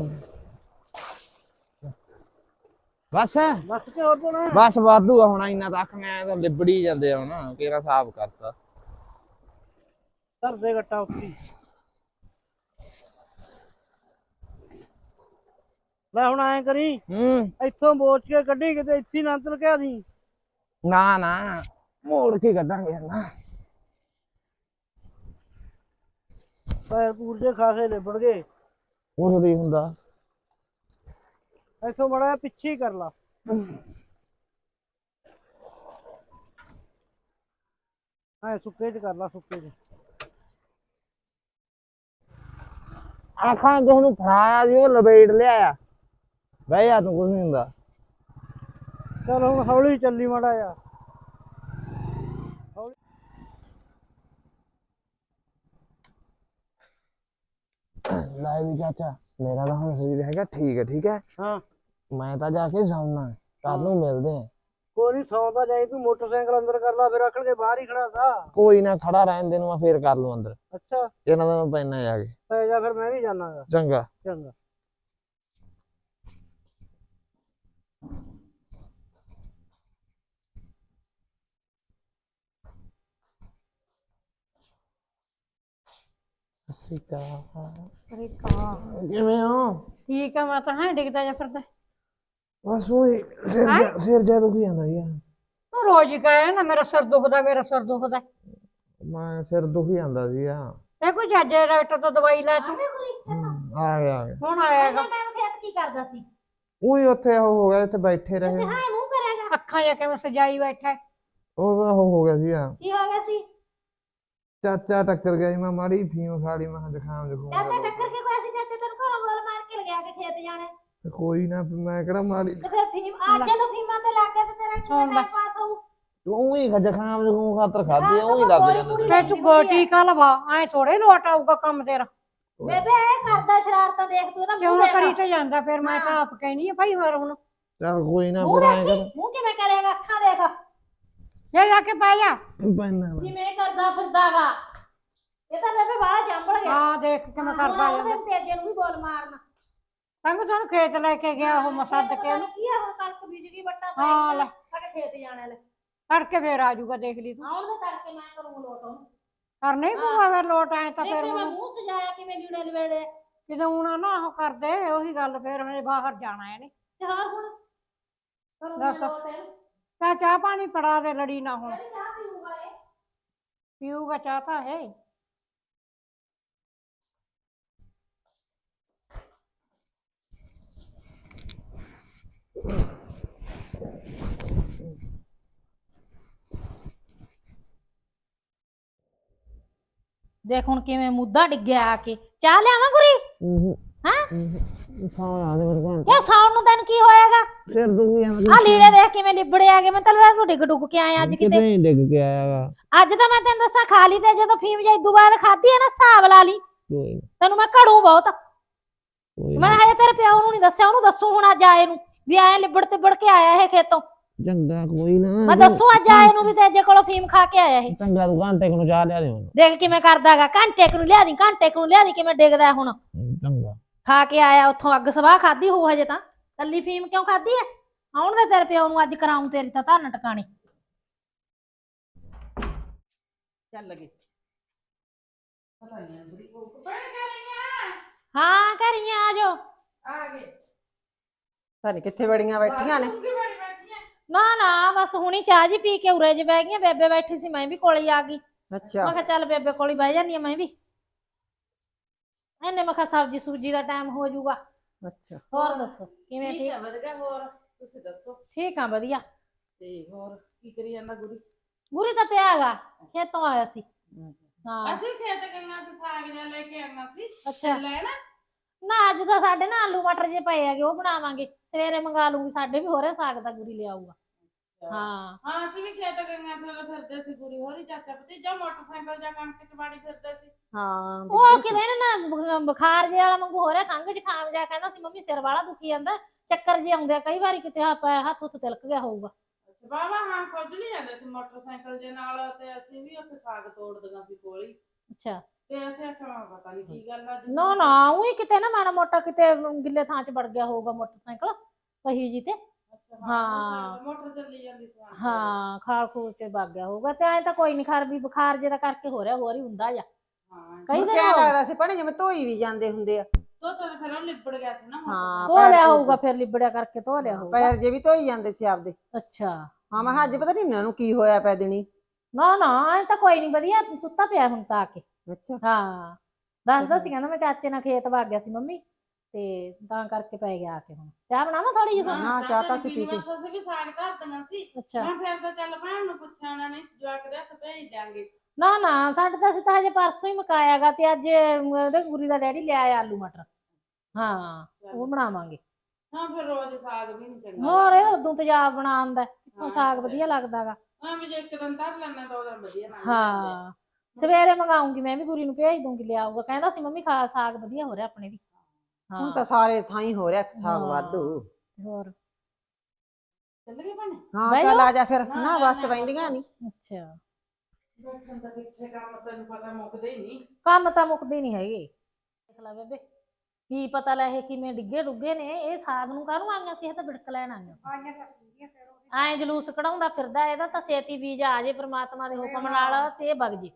[SPEAKER 3] ਬਸ
[SPEAKER 1] ਬਸ ਕੇ ਹੋਰ ਤੋਂ ਨਾ
[SPEAKER 3] ਬਸ ਵਾਧੂ ਆ ਹੁਣ ਇੰਨਾ ਤੱਕ ਮੈਂ ਤਾਂ ਲਿਬੜੀ ਜਾਂਦੇ ਆ ਹੁਣ ਕਿਹੜਾ ਹਿਸਾਬ ਕਰਤਾ
[SPEAKER 1] ਧਰ ਦੇ ਗੱਟਾ ਉੱਤੀ ਲੈ ਹੁਣ ਐਂ ਕਰੀ
[SPEAKER 3] ਹੂੰ
[SPEAKER 1] ਇੱਥੋਂ ਬੋਚ ਕੇ ਕੱਢੀ ਕਿਤੇ ਇੱਥੇ ਨਾ ਅੰਦਰ ਕਿਆ ਦੀ
[SPEAKER 3] ਨਾ ਨਾ ਮੋੜ ਕੇ ਕੱਢਾਂਗੇ ਨਾ
[SPEAKER 1] ਪੈਰ ਪੂਰ ਜੇ ਖਾਸੇ ਲਿਬੜ ਗਏ
[SPEAKER 3] ਉਹ ਨਹੀਂ ਹੁੰਦਾ
[SPEAKER 1] ਇੱਥੋਂ ਮਾੜਾ ਜਿਹਾ ਪਿੱਛੇ ਹੀ ਕਰ ਲਾ ਐ ਸੁੱਕੇ ਚ ਕਰ ਲਾ ਸੁੱਕੇ ਚ
[SPEAKER 3] ਆਖਾਂ ਕਿਸ ਨੂੰ ਫੜਾਇਆ ਸੀ ਉਹ ਲਪੇਟ ਲਿਆਇਆ ਬਹਿ ਜਾ ਤੂੰ ਕੁਝ ਨਹੀਂ ਹੁੰਦਾ
[SPEAKER 1] ਚੱਲ ਹੁਣ ਹੌਲੀ ਚੱਲੀ ਮਾੜਾ ਜਿਹਾ
[SPEAKER 3] ਲੈ ਵੀ ਚਾਚਾ ਮੇਰਾ ਤਾਂ ਹੁਣ ਸਰੀਰ ਹੈਗਾ ਠੀਕ ਹੈ ਠੀਕ ਹੈ
[SPEAKER 1] ਹਾਂ
[SPEAKER 3] ਮੈਂ ਤਾਂ ਜਾ ਕੇ ਸੌਣਾ ਕੱਲ ਨੂੰ ਮਿਲਦੇ ਆ
[SPEAKER 1] ਕੋਈ ਨਹੀਂ ਸੌਂਦਾ ਜਾਈ ਤੂੰ ਮੋਟਰਸਾਈਕਲ ਅੰਦਰ ਕਰ ਲਾ ਫਿਰ ਆਖਣਗੇ ਬਾਹਰ ਹੀ ਖੜਾ ਥਾ
[SPEAKER 3] ਕੋਈ ਨਾ ਖੜਾ ਰਹਿਣ ਦੇ ਨੂੰ ਮੈਂ ਫੇਰ ਕਰ ਲੂ ਅੰਦਰ
[SPEAKER 1] ਅੱਛਾ
[SPEAKER 3] ਇਹਨਾਂ ਦਾ ਮੈਂ ਪੈਣਾ ਜਾ ਕੇ
[SPEAKER 1] ਪੈ ਜਾ ਫਿਰ ਮੈਂ ਵੀ ਜਾਣਾਗਾ
[SPEAKER 3] ਚੰਗਾ
[SPEAKER 1] ਚੰਗਾ
[SPEAKER 3] ਸ੍ਰੀਕਾ
[SPEAKER 2] ਅਰੇ ਕਾ
[SPEAKER 3] ਕਿਵੇਂ ਹੋ
[SPEAKER 2] ਠੀਕ ਆ ਮੈਂ ਤਾਂ ਹਾਂ ਡਿੱਗਦਾ ਜਾ ਫਿਰਦਾ
[SPEAKER 3] ਬਸ ਉਹ ਸਿਰ ਜਾ ਸਿਰ ਜਾ ਦੁਖੀ ਜਾਂਦਾ ਯਾਰ
[SPEAKER 2] ਤੂੰ ਰੋਜ਼ ਹੀ ਕਹੇ ਨਾ ਮੇਰਾ ਸਿਰ ਦੁਖਦਾ ਮੇਰਾ ਸਿਰ ਦੁਖਦਾ
[SPEAKER 3] ਮੈਂ ਸਿਰ ਦੁਖੀ ਜਾਂਦਾ ਸੀ ਆ
[SPEAKER 2] ਇਹ ਕੋਈ ਜੱਜ ਡਾਕਟਰ ਤੋਂ ਦਵਾਈ ਲੈ ਤੂੰ
[SPEAKER 3] ਆ ਗਿਆ ਆ ਗਿਆ
[SPEAKER 2] ਹੁਣ ਆਏਗਾ
[SPEAKER 4] ਟਾਈਮ ਖੇਤ ਕੀ ਕਰਦਾ ਸੀ
[SPEAKER 3] ਉਹੀ ਉੱਥੇ ਉਹ ਹੋ ਗਿਆ ਇੱਥੇ ਬੈਠੇ ਰਹੇ
[SPEAKER 4] ਹਾਂ ਮੂੰਹ ਕਰੇਗਾ
[SPEAKER 2] ਅੱਖਾਂ ਜਾ ਕੇ ਮੈਂ ਸਜਾਈ ਬੈਠਾ ਹੈ।
[SPEAKER 3] ਉਹ ਤਾਂ ਉਹ ਹੋ ਗਿਆ ਸੀ ਆ
[SPEAKER 4] ਕੀ ਹੋ ਗਿਆ ਸੀ
[SPEAKER 3] ਚਾਚਾ ਟੱਕਰ ਗਿਆ ਸੀ ਮੈਂ ਮਾੜੀ ਫੀਮ ਖਾ ਲਈ ਮੈਂ ਕਿਹਾ ਜ਼ੁਕਾਮ ਜ਼ੁਕਾਮ
[SPEAKER 4] ਚਾਚਾ ਟੱਕਰ ਕੇ ਕੋਈ ਸੀ ਚਾਚਾ ਤੈਨੂੰ ਘਰੋਂ ਬੋਲ ਮਾਰ ਕੇ ਲਗਿਆ ਕੇ ਖੇਤ ਜਾਣਾ
[SPEAKER 3] ਤੇ ਕੋਈ ਨਾ ਮੈਂ ਕਿਹੜਾ ਮਾੜੀ
[SPEAKER 4] ਤੇ ਫਿਰ ਫੀਮ ਅੱਜ ਜਦੋਂ ਫੀਮਾਂ ਤੇ ਲੱਗ ਗਿਆ ਤੇ ਤੇਰਾ ਕਿਵੇਂ ਟਾਈਮ ਪਾਸ ਹੋਊ
[SPEAKER 3] ਉਹੀ ਜ਼ੁਕਾਮ ਜ਼ੁਕਾਮ ਖਾਤਰ ਖਾਦੀ ਉਹੀ ਲੱਗ ਜਾਂਦਾ
[SPEAKER 2] ਤੇ ਤੂੰ ਗੋਟੀ ਕਾ ਲਵਾ ਐ ਥੋੜੇ ਲੋਟ ਆਊਗਾ ਕੰਮ ਤੇਰਾ
[SPEAKER 4] ਬੇਬੇ ਇਹ ਕਰਦਾ ਸ਼ਰਾਰਤਾਂ ਦੇਖ ਤੂੰ ਇਹਦਾ
[SPEAKER 2] ਕਿਉਂ
[SPEAKER 4] ਮੂੰਹ
[SPEAKER 2] ਨਾ ਕਰੀ
[SPEAKER 4] ਦੇਖ
[SPEAKER 2] ਤੇ ਜਾਂਦਾ ਫਿਰ ਮੈਂ ਤਾਂ ਆਪ ਕਹਿਣੀ ਆ ਭਾਈ ਹੋਰ ਹੁਣ
[SPEAKER 3] ਚੱਲ ਕੋਈ ਨਾ
[SPEAKER 4] ਮੂੰਹ
[SPEAKER 3] ਫਿਰ ਐਂ
[SPEAKER 4] ਦੇਖੀ,
[SPEAKER 3] ਕਰ
[SPEAKER 4] ਮੂੰਹ ਕਿਵੇਂ ਕਰੇਗਾ ਅੱਖਾਂ ਦੇਖ
[SPEAKER 2] ਜਾ ਜਾ ਕੇ ਪੈ ਜਾ
[SPEAKER 3] ਪੈਣਾ
[SPEAKER 4] ਕਿਵੇਂ ਕਰਦਾ ਫਿਰਦਾਗਾ ਇਹ ਤਾਂ ਬੇਬੇ ਬਾਹਰ ਜੰਬਲ ਗਿਆ
[SPEAKER 2] ਹਾਂ ਦੇਖ ਕਿਵੇਂ ਕਰਦਾ
[SPEAKER 4] ਹੁਣ
[SPEAKER 2] ਜਾਂਦਾ
[SPEAKER 4] ਉਹਦੇ ਤੇਜੇ ਨੂੰ ਵੀ ਬੋਲ ਮਾਰਨਾ
[SPEAKER 2] ਤੰਗ ਤੁਹਾਨੂੰ ਖੇਤ ਲੈ ਕੇ ਗਿਆ ਉਹ ਮਸੱਦ ਕੇ ਉਹਨੂੰ
[SPEAKER 4] ਕੀ ਆ ਹੁਣ ਕਣਕ ਬੀਜ ਗਈ ਵੱਟਾ ਪੈ
[SPEAKER 2] ਹਾਂ ਲੈ।
[SPEAKER 4] ਗਿਆ ਸਾਡੇ ਖੇਤ ਜਾਣਾ ਲੈ
[SPEAKER 2] ਤੜਕੇ ਫੇਰ ਆ ਜਾਊਗਾ ਦੇਖ ਲਈ ਤੂੰ
[SPEAKER 4] ਆਉਣ ਦੇ ਤੜਕੇ ਮੈਂ ਕਰੂੰ ਲੋਟ ਉਹਨੂੰ
[SPEAKER 2] ਕਰ ਨਹੀਂ ਪੂਆ ਫਿਰ ਲੋਟ ਆਏ ਤਾਂ
[SPEAKER 4] ਦੇਖ
[SPEAKER 2] ਫਿਰ
[SPEAKER 4] ਮੈਂ
[SPEAKER 2] ਹੁਣ
[SPEAKER 4] ਮੂੰਹ ਸਜਾਇਆ ਕਿਵੇਂ ਲੀੜੇ ਲਵੇੜੇ
[SPEAKER 2] ਜਦੋਂ ਹੁਣ ਨਾ ਉਹ ਕਰਦੇ ਉਹੀ ਗੱਲ ਫੇਰ ਹਜੇ ਬਾਹਰ ਜਾਣਾ ਇਹਨੇ
[SPEAKER 4] ਤੇ ਹਾਂ ਹੁਣ ਕਰੂੰ
[SPEAKER 2] ਦੱਸ।
[SPEAKER 4] ਲੋਟ ਇਹਨੂੰ
[SPEAKER 2] ਚਾਹ ਚਾਹ ਪਾਣੀ ਫੜਾ ਦੇ ਲੜੀ ਨਾ ਹੁਣ
[SPEAKER 4] ਕਿਹੜੀ ਚਾਹ ਪੀਊਗਾ ਇਹ
[SPEAKER 2] ਪੀਊਗਾ ਚਾਹ ਤਾਂ ਹੈ
[SPEAKER 4] ਦੇਖ ਹੁਣ ਕਿਵੇਂ ਮੁੱਦਾ ਡਿੱਗਿਆ ਆ ਕੇ ਚਾਹ ਲਿਆਵਾਂ ਗੁਰੀ ਹਾਂ
[SPEAKER 3] ਸਾਹ ਆ ਦੇ ਮੇਰੇ ਕੋਲ
[SPEAKER 4] ਕਿਆ ਸਾਉਣ ਨੂੰ ਤੈਨੂੰ ਕੀ ਹੋਇਆਗਾ
[SPEAKER 3] ਸਿਰ ਦੁਖੀ ਜਾਂਦਾ
[SPEAKER 4] ਆ ਲੀੜੇ ਦੇਖ ਕਿਵੇਂ ਲਿਬੜੇ ਆ ਗਏ ਮੈਂ ਤਾਂ ਲੱਗਦਾ ਤੂੰ ਡਿੱਗ ਡੁੱਗ ਕੇ ਆਇਆ ਅੱਜ
[SPEAKER 3] ਕਿਤੇ
[SPEAKER 4] ਕਿਤੇ
[SPEAKER 3] ਨਹੀਂ ਡਿੱਗ ਕੇ ਆਇਆਗਾ
[SPEAKER 4] ਅੱਜ ਤਾਂ ਮੈਂ ਤੈਨੂੰ ਦੱਸਾਂ ਖਾ ਲਈ ਤੇ ਜਦੋਂ ਫੀਮ ਜਾਈ ਦੁਬਾਰਾ ਖਾਧੀ ਹੈ ਨਾ ਹਿਸਾਬ ਲਾ ਲਈ
[SPEAKER 3] ਕੋਈ ਨਾ
[SPEAKER 4] ਤੈਨੂੰ ਮੈਂ ਘੜੂ ਬਹੁਤ
[SPEAKER 3] ਕੋਈ
[SPEAKER 4] ਮੈਂ
[SPEAKER 3] ਨਾ
[SPEAKER 4] ਹਜੇ ਤੇਰੇ ਪਿਓ ਨੂੰ ਨਹੀਂ ਦੱਸਿਆ ਉਹਨੂੰ ਦੱਸੂ ਹੁਣ ਅੱਜ ਆਏ ਨੂੰ ਵੀ ਆਏ ਲਿਬੜ ਤੇ ਬੜ ਕੇ ਆਇਆ ਇਹ ਖੇਤੋਂ
[SPEAKER 3] ਚੰਗਾ ਕੋਈ ਨਾ
[SPEAKER 4] ਮੈਂ ਦੱਸੂ ਅੱਜ ਆਏ ਨੂੰ ਵੀ ਤੇਜੇ ਕੋਲੋਂ ਫੀਮ ਖਾ ਕੇ ਆਇਆ ਇਹ
[SPEAKER 3] ਚੰਗਾ ਤੂੰ ਘੰਟੇ ਕੁ ਨੂੰ ਚਾਹ ਲਿਆ ਦੇ ਮੈਨੂੰ
[SPEAKER 4] ਦੇਖ ਕਿਵੇਂ ਕਰਦਾਗਾ ਘੰਟੇ ਕੁ ਨੂੰ ਲਿਆ ਦੀ ਘੰਟੇ ਕੁ ਨੂੰ ਲਿਆ ਦੀ ਕਿਵੇਂ ਡਿੱਗਦਾ ਹੁਣ
[SPEAKER 3] ਚੰਗਾ
[SPEAKER 4] ਖਾ ਕੇ ਆਇਆ ਉੱਥੋਂ ਅੱਗ ਸਵਾਹ ਖਾਧੀ ਹੋ ਹਜੇ ਤਾਂ ਕੱਲੀ ਫੀਮ ਕਿਉਂ ਖਾਧੀ ਐ ਆਉਣ ਦੇ ਤੇਰੇ ਪਿਓ ਨੂੰ ਅੱਜ ਕਰਾਉਂ ਤੇਰੀ ਤਾਂ ਧਰਨ ਟਿਕਾਣੀ
[SPEAKER 5] ਚੱਲ ਲਗੇ
[SPEAKER 4] ਹਾਂ ਘਰੀਆਂ ਆ ਜਾਓ
[SPEAKER 5] ਪਤਾ ਨੀ ਕਿੱਥੇ ਬੜੀਆਂ ਬੈਠੀਆਂ ਨੇ
[SPEAKER 4] ਨਾ ਨਾ ਬਸ ਹੁਣੀ ਚਾਹ ਜੀ ਪੀ ਕੇ ਉਰੇ ਜੇ ਬਹਿ ਗਈਆਂ ਬੇਬੇ ਬੈਠੀ ਸੀ ਮੈਂ ਵੀ ਕੋਲੇ ਹੀ ਆ ਗਈ
[SPEAKER 5] ਅੱਛਾ
[SPEAKER 4] ਮੈਂ ਕਿਹਾ ਚੱਲ ਬੇਬੇ ਕੋਲ ਹੀ ਬਹਿ ਜਾਨੀ ਆ ਮੈਂ ਵੀ ਇਹਨੇ ਮੈਂ ਕਿਹਾ ਸਬਜ਼ੀ ਸੂਜੀ ਦਾ ਟਾਈਮ ਹੋ ਜਾਊਗਾ
[SPEAKER 5] ਅੱਛਾ
[SPEAKER 4] ਹੋਰ ਦੱਸੋ ਕਿਵੇਂ
[SPEAKER 5] ਠੀਕ
[SPEAKER 4] ਠੀਕ
[SPEAKER 5] ਹੈ ਵਧੀਆ ਹੋਰ ਤੁਸੀਂ ਦੱਸੋ
[SPEAKER 4] ਠੀਕ ਆ ਵਧੀਆ
[SPEAKER 5] ਤੇ ਹੋਰ ਕੀ ਕਰੀ ਜਾਂਦਾ ਗੁਰੀ
[SPEAKER 4] ਗੁਰੀ ਤਾਂ ਪਿਆ ਹੈਗਾ ਖੇਤੋਂ ਆਇਆ ਸੀ ਹਾਂ
[SPEAKER 5] ਅਸੀਂ ਖੇਤ ਗਈਆਂ ਤੇ ਸਾਗ ਜਿਹਾ ਲੈ ਕੇ ਆਉਣਾ ਸੀ
[SPEAKER 4] ਅੱਛਾ
[SPEAKER 5] ਲੈਣਾ
[SPEAKER 4] ਨਾ ਅੱਜ ਤਾਂ ਸਾਡੇ ਨਾ ਆਲੂ ਮਟਰ ਜੇ ਪਏ ਹੈਗੇ ਉਹ ਬਣਾਵਾਂਗੇ, ਸਵੇਰੇ ਮੰਗਾ ਲੂੰਗੀ, ਸਾਡੇ ਵੀ ਹੋ ਰਿਹਾ ਸਾਗ ਦਾ ਗੁਰੀ ਲਿਆਊਗਾ। ਹਾਂ
[SPEAKER 5] ਹਾਂ ਅਸੀਂ ਵੀ ਖੇਤ ਗਈਆਂ ਸੀ, ਫਿਰਦੇ ਸੀ ਗੁਰੀ ਹੋਰੀ ਚਾਚਾ ਭਤੀਜਾ ਮੋਟਰਸਾਈਕਲ ਜਾਂ ਕਣਕ ਚ ਵਾੜੀ ਫਿਰਦੇ ਸੀ।
[SPEAKER 2] ਹਾਂ
[SPEAKER 4] ਉਹ ਕਿਤੇ ਨਾ ਨਾ ਬੁਖਾਰ ਜਿਹਾ ਵਾਲਾ ਵਾਂਗੂ ਹੋ ਰਿਹਾ, ਖੰਘ ਜ਼ੁਕਾਮ ਜਿਹਾ, ਕਹਿੰਦਾ ਸੀ ਮੰਮੀ ਸਿਰ ਵਾਲਾ ਦੁਖੀ ਜਾਂਦਾ, ਚੱਕਰ ਜਿਹੇ ਆਉਂਦੇ ਆ ਕਈ ਵਾਰੀ, ਕਿਤੇ ਹੱਥ ਹੱਥ ਉੱਤੇ ਤਿਲਕ ਗਿਆ ਹੋਊਗਾ।
[SPEAKER 5] ਵਾਵਾ ਹਾਂ ਖੁੱਜਲੀ ਜਾਂਦੇ ਸੀ ਮੋਟਰਸਾਈਕਲ ਜੇ ਨਾਲ, ਤੇ ਅਸੀਂ ਵੀ ਉੱਥੇ ਸਾਗ ਤੋੜਦੀਆਂ ਸੀ ਕੋਲੀ,
[SPEAKER 4] ਅੱਛਾ
[SPEAKER 5] ਤੇ ਅਸੀਂ ਆਖਿਆ ਪਤਾ ਨੀ ਕੀ ਗੱਲ ਆ।
[SPEAKER 4] ਨਾ ਨਾ ਉਹੀ ਕਿਤੇ ਨਾ ਮਾੜਾ ਮੋਟਾ ਕਿਤੇ ਗਿੱਲੇ ਥਾਂ 'ਚ ਵੜ ਗਿਆ ਹੋਊਗਾ ਮੋਟਰਸਾਈਕਲ ਪਹੀ ਜੀ ਤੇ। ਹਾਂ
[SPEAKER 5] ਮੋਟਰ ਚੱਲੀ ਜਾਂਦੀ ਸੀ।
[SPEAKER 4] ਹਾਂ ਖਾਲ ਖੂਲ ਤੇ ਵਗ ਗਿਆ ਹੋਊਗਾ, ਤੇ ਐਂ ਤਾਂ ਕੋਈ ਨੀ ਖਰ ਵੀ ਬੁਖਾਰ ਜੇ ਦਾ ਕਰਕੇ ਹੋ ਰਿਹਾ, ਹੋਰ ਹੀ ਹੁੰਦਾ ਜਾਂ ਕਈ ਦਿਨ
[SPEAKER 2] ਕਿਆ
[SPEAKER 4] ਹੋ
[SPEAKER 2] ਲੱਗਦਾ ਸੀ ਭੈਣੇ ਜਿਵੇਂ ਧੋਈ ਵੀ ਜਾਂਦੇ ਹੁੰਦੇ ਆ।
[SPEAKER 5] ਧੋ ਤਾਂ ਫਿਰ ਉਹ ਲਿਬੜ ਗਿਆ ਸੀ ਨਾ
[SPEAKER 2] ਹਾਂ
[SPEAKER 4] ਧੋ ਲਿਆ ਹੋਊਗਾ, ਫਿਰ ਲਿਬੜਿਆ ਕਰਕੇ ਧੋ ਲਿਆ ਹੋਊਗਾ।
[SPEAKER 2] ਪੈਰ ਜੇ ਵੀ ਧੋਈ ਜਾਂਦੇ ਸੀ ਆਪਦੇ।
[SPEAKER 4] ਅੱਛਾ
[SPEAKER 2] ਹਾਂ ਮੈਂ ਕਿਹਾ ਅੱਜ ਪਤਾ ਨੀ ਇਹਨਾਂ ਨੂੰ ਕੀ ਹੋਇਆ ਪੈ ਦਿਨੀ।
[SPEAKER 4] ਨਾ ਨਾ ਐਂ ਤਾਂ ਕੋਈ ਨੀ, ਵਧੀਆ ਸੁੱਤਾ ਪਿਆ ਹੁਣ ਤਾਂ ਆ ਕੇ।
[SPEAKER 2] ਅੱਛਾ
[SPEAKER 4] ਹਾਂ ਦੱਸਦਾ ਸੀ, ਕਹਿੰਦਾ ਮੈਂ ਚਾਚੇ ਨਾਲ ਖੇਤ ਵਗ ਗਿਆ ਸੀ ਮੰਮੀ, ਤੇ ਤਾਂ ਕਰਕੇ ਪੈ ਗਿਆ ਆ ਕੇ। ਹੁਣ ਚਾਹ ਬਣਾਵਾਂ ਥੋੜੀ ਜਿਹੀ ਤੁਹਾਨੂੰ?
[SPEAKER 2] ਨਾ ਚਾਹ ਤਾਂ ਅਸੀਂ ਪੀ ਕੇ।
[SPEAKER 5] ਅਸੀਂ ਵੀ ਸਾਗ ਧਰਦੀਆਂ ਸੀ।
[SPEAKER 4] ਅੱਛਾ
[SPEAKER 5] ਮੈਂ ਫਿਰ ਤਾਂ ਚੱਲ ਭੈਣ ਨੂੰ ਪੁੱਛਿਆ, ਉਹਨਾਂ ਨੇ ਜਵਾਕ ਦੇ ਹੱਥ ਭੇਜ ਦਿਆਂਗੇ।
[SPEAKER 4] ਨਾ ਨਾ ਸਾਡੇ ਤਾਂ ਅਸੀਂ ਤਾਂ ਹਜੇ ਪਰਸੋਂ ਹੀ ਮੁਕਾਇਆਗਾ, ਤੇ ਅੱਜ ਉਹਦੇ ਗੁਰੀ ਦਾ ਡੈਡੀ ਲਿਆਇਆ ਆਲੂ ਮਟਰ। ਹਾਂ ਉਹ ਬਣਾਵਾਂਗੇ।
[SPEAKER 5] ਹਾਂ ਫਿਰ ਰੋਜ਼ ਸਾਗ ਵੀ ਨੀ ਚੰਗਾ
[SPEAKER 4] ਹੋਰ ਇਹ ਉਦੋਂ ਤੇਜ਼ਾਬ ਬਣਾ ਆਉਂਦਾ, ਕਿੱਥੋਂ ਸਾਗ ਵਧੀਆ ਲੱਗਦਾਗਾ।
[SPEAKER 5] ਹਾਂ ਵੀ ਜੇ ਇੱਕ ਦਿਨ ਧਰ ਲੈਣਾ ਤਾਂ ਉਹਦਾ ਵਧੀਆ ਬਣ ਜਾਂਦਾ।
[SPEAKER 4] ਹਾਂ ਸਵੇਰੇ ਮੰਗਾਉਂਗੀ ਮੈਂ ਵੀ, ਗੁਰੀ ਨੂੰ ਭੇਜ ਦੂੰਗੀ, ਲਿਆਊਗਾ। ਕਹਿੰਦਾ ਸੀ ਮੰਮੀ ਖਾ ਸਾਗ ਵਧੀਆ ਹੋ ਰਿਹਾ ਆਪਣੇ ਵੀ।
[SPEAKER 2] ਹੁਣ ਤਾਂ ਸਾਰੇ ਥਾਂ ਹੀ ਹੋ ਰਿਹਾ ਸਾਗ
[SPEAKER 4] ਹਾਂ।
[SPEAKER 2] ਵਾਧੂ।
[SPEAKER 4] ਹੋਰ
[SPEAKER 5] ਚੱਲ ਗਏ ਭੈਣੇ?
[SPEAKER 2] ਹਾਂ ਚੱਲ ਆ ਜਾ ਫਿਰ, ਨਾ ਬਸ ਬੈਂਦੀਆਂ ਨੀ।
[SPEAKER 4] ਅੱਛਾ
[SPEAKER 5] ਬੈਠਣ ਦਾ ਕਿੱਥੇ ਕੰਮ, ਤੈਨੂੰ ਪਤਾ ਮੁੱਕਦੇ ਹੀ ਨਹੀਂ।
[SPEAKER 4] ਕੰਮ ਤਾਂ ਮੁੱਕਦੇ ਨਹੀਂ ਹੈਗੇ। ਦੇਖ ਲੈ ਬੇਬੇ ਕੀ ਪਤਾ ਲੈ ਇਹ ਕਿਵੇਂ ਡਿੱਗੇ ਡੁੱਗੇ ਨੇ, ਇਹ ਸਾਗ ਨੂੰ ਕਾਹਨੂੰ ਆਈਆਂ ਸੀ, ਇਹ ਤਾਂ ਬਿੜਕ ਲੈਣ ਆਈਆਂ ਸੀ। ਐਂ ਜਲੂਸ ਕਢਾਉਂਦਾ ਫਿਰਦਾ, ਇਹਦਾ ਤਾਂ ਛੇਤੀ ਬੀਜ ਆ ਜੇ ਪ੍ਰਮਾਤਮਾ ਦੇ ਹੁਕਮ ਨਾਲ, ਤੇ ਇਹ ਵਗ ਜੇ।